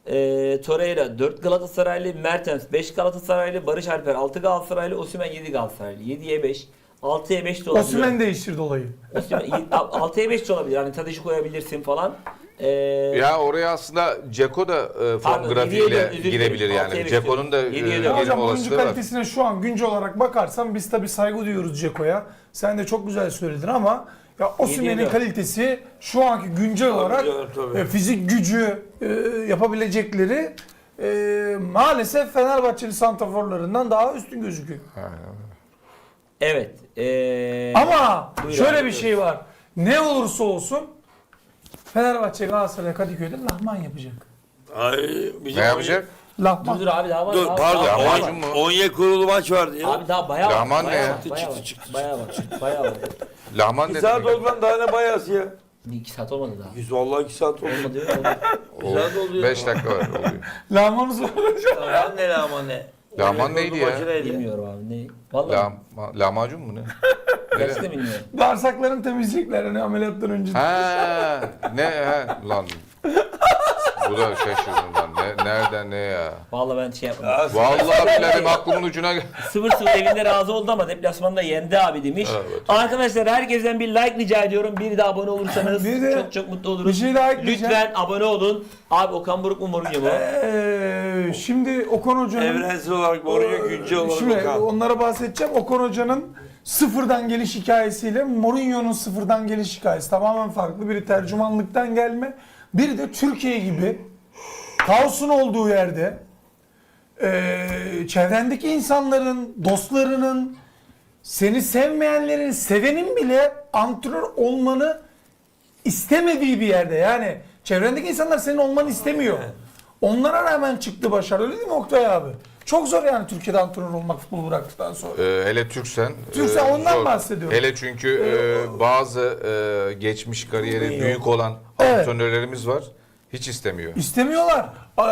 [SPEAKER 1] Torreira 4 Galatasaraylı, Mertens 5 Galatasaraylı, Barış Alper 6 Galatasaraylı, Osimhen 7 Galatasaraylı. 7'ye 5. 6'ya 5 de olabilir.
[SPEAKER 2] Osimhen değiştirdi olayı.
[SPEAKER 1] 6'ya 5 de olabilir. Hani Tadiş'i koyabilirsin falan.
[SPEAKER 4] Ya oraya aslında Ceko da form
[SPEAKER 1] Pardon, 7'ye
[SPEAKER 4] grafiğiyle
[SPEAKER 1] 4, özür dilerim.
[SPEAKER 4] girebilir
[SPEAKER 1] 6'ya
[SPEAKER 4] yani.
[SPEAKER 1] 5
[SPEAKER 4] Ceko'nun da
[SPEAKER 1] diyorum. 7'ye 4.
[SPEAKER 2] Ya
[SPEAKER 4] gelme
[SPEAKER 2] hocam oyuncu
[SPEAKER 4] olasılığı var.
[SPEAKER 2] kalitesine şu an güncel olarak bakarsan biz tabii saygı duyuyoruz Ceko'ya. Sen de çok güzel söyledin ama ya Osimhen'in
[SPEAKER 1] 7'ye 4.
[SPEAKER 2] kalitesi şu anki güncel olarak
[SPEAKER 3] tabii.
[SPEAKER 2] fizik gücü yapabilecekleri maalesef Fenerbahçeli santraforlarından daha üstün gözüküyor.
[SPEAKER 1] Evet.
[SPEAKER 2] Ama
[SPEAKER 1] Buyur
[SPEAKER 2] şöyle
[SPEAKER 1] abi,
[SPEAKER 2] bir şey var. Ne olursa olsun Fenerbahçe Galatasaray Kadıköy'de lahman yapacak.
[SPEAKER 3] Ay,
[SPEAKER 4] Ne yapacak?
[SPEAKER 2] Lahman.
[SPEAKER 1] Dur abi daha var.
[SPEAKER 3] Dur
[SPEAKER 1] daha var,
[SPEAKER 3] pardon.
[SPEAKER 1] daha var.
[SPEAKER 4] lahmacun mu?
[SPEAKER 3] Onyekuru maç vardı ya.
[SPEAKER 1] Abi daha bayağı var.
[SPEAKER 4] Lahman ne
[SPEAKER 1] bayağı
[SPEAKER 4] ya?
[SPEAKER 1] var, bayağı var, bayağı var. Bayağı var.
[SPEAKER 4] Lahman
[SPEAKER 3] 2
[SPEAKER 4] ne
[SPEAKER 3] saat
[SPEAKER 4] demek?
[SPEAKER 3] oldu lan daha ne bayası ya.
[SPEAKER 1] 2 saat olmadı daha.
[SPEAKER 3] Biz vallahi 2 saat oldu.
[SPEAKER 1] Olmadı öyle olmadı.
[SPEAKER 3] Güzel de oluyor.
[SPEAKER 4] 5 dakika var oluyor.
[SPEAKER 2] Lahmanı soracağım.
[SPEAKER 3] Lan ne lan ne?
[SPEAKER 4] Lahman neydi ya?
[SPEAKER 3] Maçı neydi?
[SPEAKER 1] Bilmiyorum abi ne. Vallahi
[SPEAKER 4] Lahmacun mu ne?
[SPEAKER 1] gerçekten bilmiyorum.
[SPEAKER 2] Bağırsaklarını temizleyecekler hani ameliyattan önce.
[SPEAKER 4] Ha, lan. Bu da şaşırdım lan. Nereden ne ya?
[SPEAKER 1] Vallahi ben şey yapmadım.
[SPEAKER 3] Ya,
[SPEAKER 4] Vallahi billahi aklımın ucuna
[SPEAKER 1] 0-0 evinde razı oldu ama deplasmanda yendi abi demiş.
[SPEAKER 4] Evet.
[SPEAKER 1] Arkadaşlar herkesten bir like rica ediyorum. Bir de abone olursanız
[SPEAKER 2] Bir de
[SPEAKER 1] çok çok mutlu oluruz.
[SPEAKER 2] bir şey daha ekleyeceğim.
[SPEAKER 1] Lütfen abone olun. Abi Okan Buruk mu Mourinho mu?
[SPEAKER 2] Şimdi Okan Hoca'nın
[SPEAKER 3] Evrensel olarak Mourinho güncel olarak
[SPEAKER 2] şimdi
[SPEAKER 3] Okan.
[SPEAKER 2] onlara bahsedeceğim. Okan Hoca'nın sıfırdan geliş hikayesiyle Mourinho'nun sıfırdan geliş hikayesi tamamen farklı. Biri tercümanlıktan gelme, biri de Türkiye gibi kaosun olduğu yerde çevrendeki insanların, dostlarının, seni sevmeyenlerin, sevenin bile antrenör olmanı istemediği bir yerde. Yani çevrendeki insanlar senin olmanı istemiyor. Onlara rağmen çıktı başarı. Öyle değil mi Oktay abi? Çok zor yani Türkiye'de antrenör olmak futbolu bıraktıktan sonra.
[SPEAKER 4] Hele Türksen.
[SPEAKER 2] Türksen ondan
[SPEAKER 4] zor.
[SPEAKER 2] bahsediyorum.
[SPEAKER 4] Hele çünkü bazı geçmiş kariyeri büyük olan
[SPEAKER 2] Evet.
[SPEAKER 4] antrenörlerimiz var. Hiç istemiyor.
[SPEAKER 2] İstemiyorlar.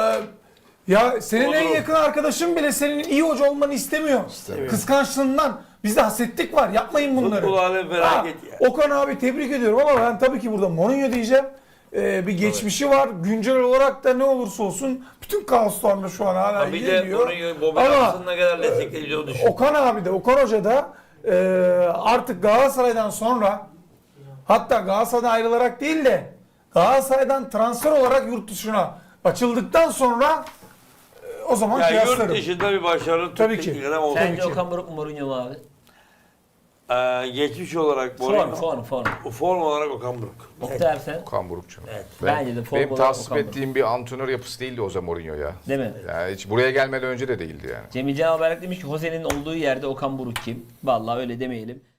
[SPEAKER 2] Ya senin en
[SPEAKER 3] Olur.
[SPEAKER 2] yakın arkadaşın bile senin iyi hoca olmanı istemiyor. Kıskançlığından. Bizde hasetlik var. Yapmayın bunları.
[SPEAKER 3] Futbol alemi felaket ya.
[SPEAKER 2] Okan abi tebrik ediyorum ama ben tabii ki burada Mourinho diyeceğim. bir geçmişi var. Güncel olarak da ne olursa olsun bütün kaoslarla şu an hala
[SPEAKER 3] Bir de
[SPEAKER 2] geliyor.
[SPEAKER 3] bunu Bobby
[SPEAKER 2] Ama
[SPEAKER 3] Robson'ın ne kadar desteklediğini düşün.
[SPEAKER 2] Okan Hoca da artık Galatasaray'dan sonra, hatta Galatasaray'dan ayrılarak değil de Galatasaray'dan transfer olarak yurt dışına açıldıktan sonra o zaman
[SPEAKER 3] Ya yurt
[SPEAKER 2] kıyaslarım.
[SPEAKER 3] dışında bir başarılı
[SPEAKER 2] Tabii
[SPEAKER 3] Türk
[SPEAKER 2] ki.
[SPEAKER 3] teknik adam oldu.
[SPEAKER 1] Sence
[SPEAKER 2] ki.
[SPEAKER 1] Okan Buruk mu Mourinho mu abi?
[SPEAKER 3] Geçmiş olarak Mourinho.
[SPEAKER 1] Form.
[SPEAKER 3] Form olarak Okan Buruk.
[SPEAKER 1] Oktay abi sen?
[SPEAKER 4] Okan Buruk canım.
[SPEAKER 3] Evet.
[SPEAKER 1] Bence de form
[SPEAKER 4] Benim
[SPEAKER 1] olarak
[SPEAKER 4] tasvip
[SPEAKER 1] Okan Buruk.
[SPEAKER 4] ettiğim bir antrenör yapısı değildi o zaman Mourinho ya.
[SPEAKER 1] Değil mi?
[SPEAKER 4] Yani hiç buraya gelmeden önce de değildi yani.
[SPEAKER 1] Cemil Can Haberlik demiş ki Jose'nin olduğu yerde Okan Buruk kim? Vallahi öyle demeyelim.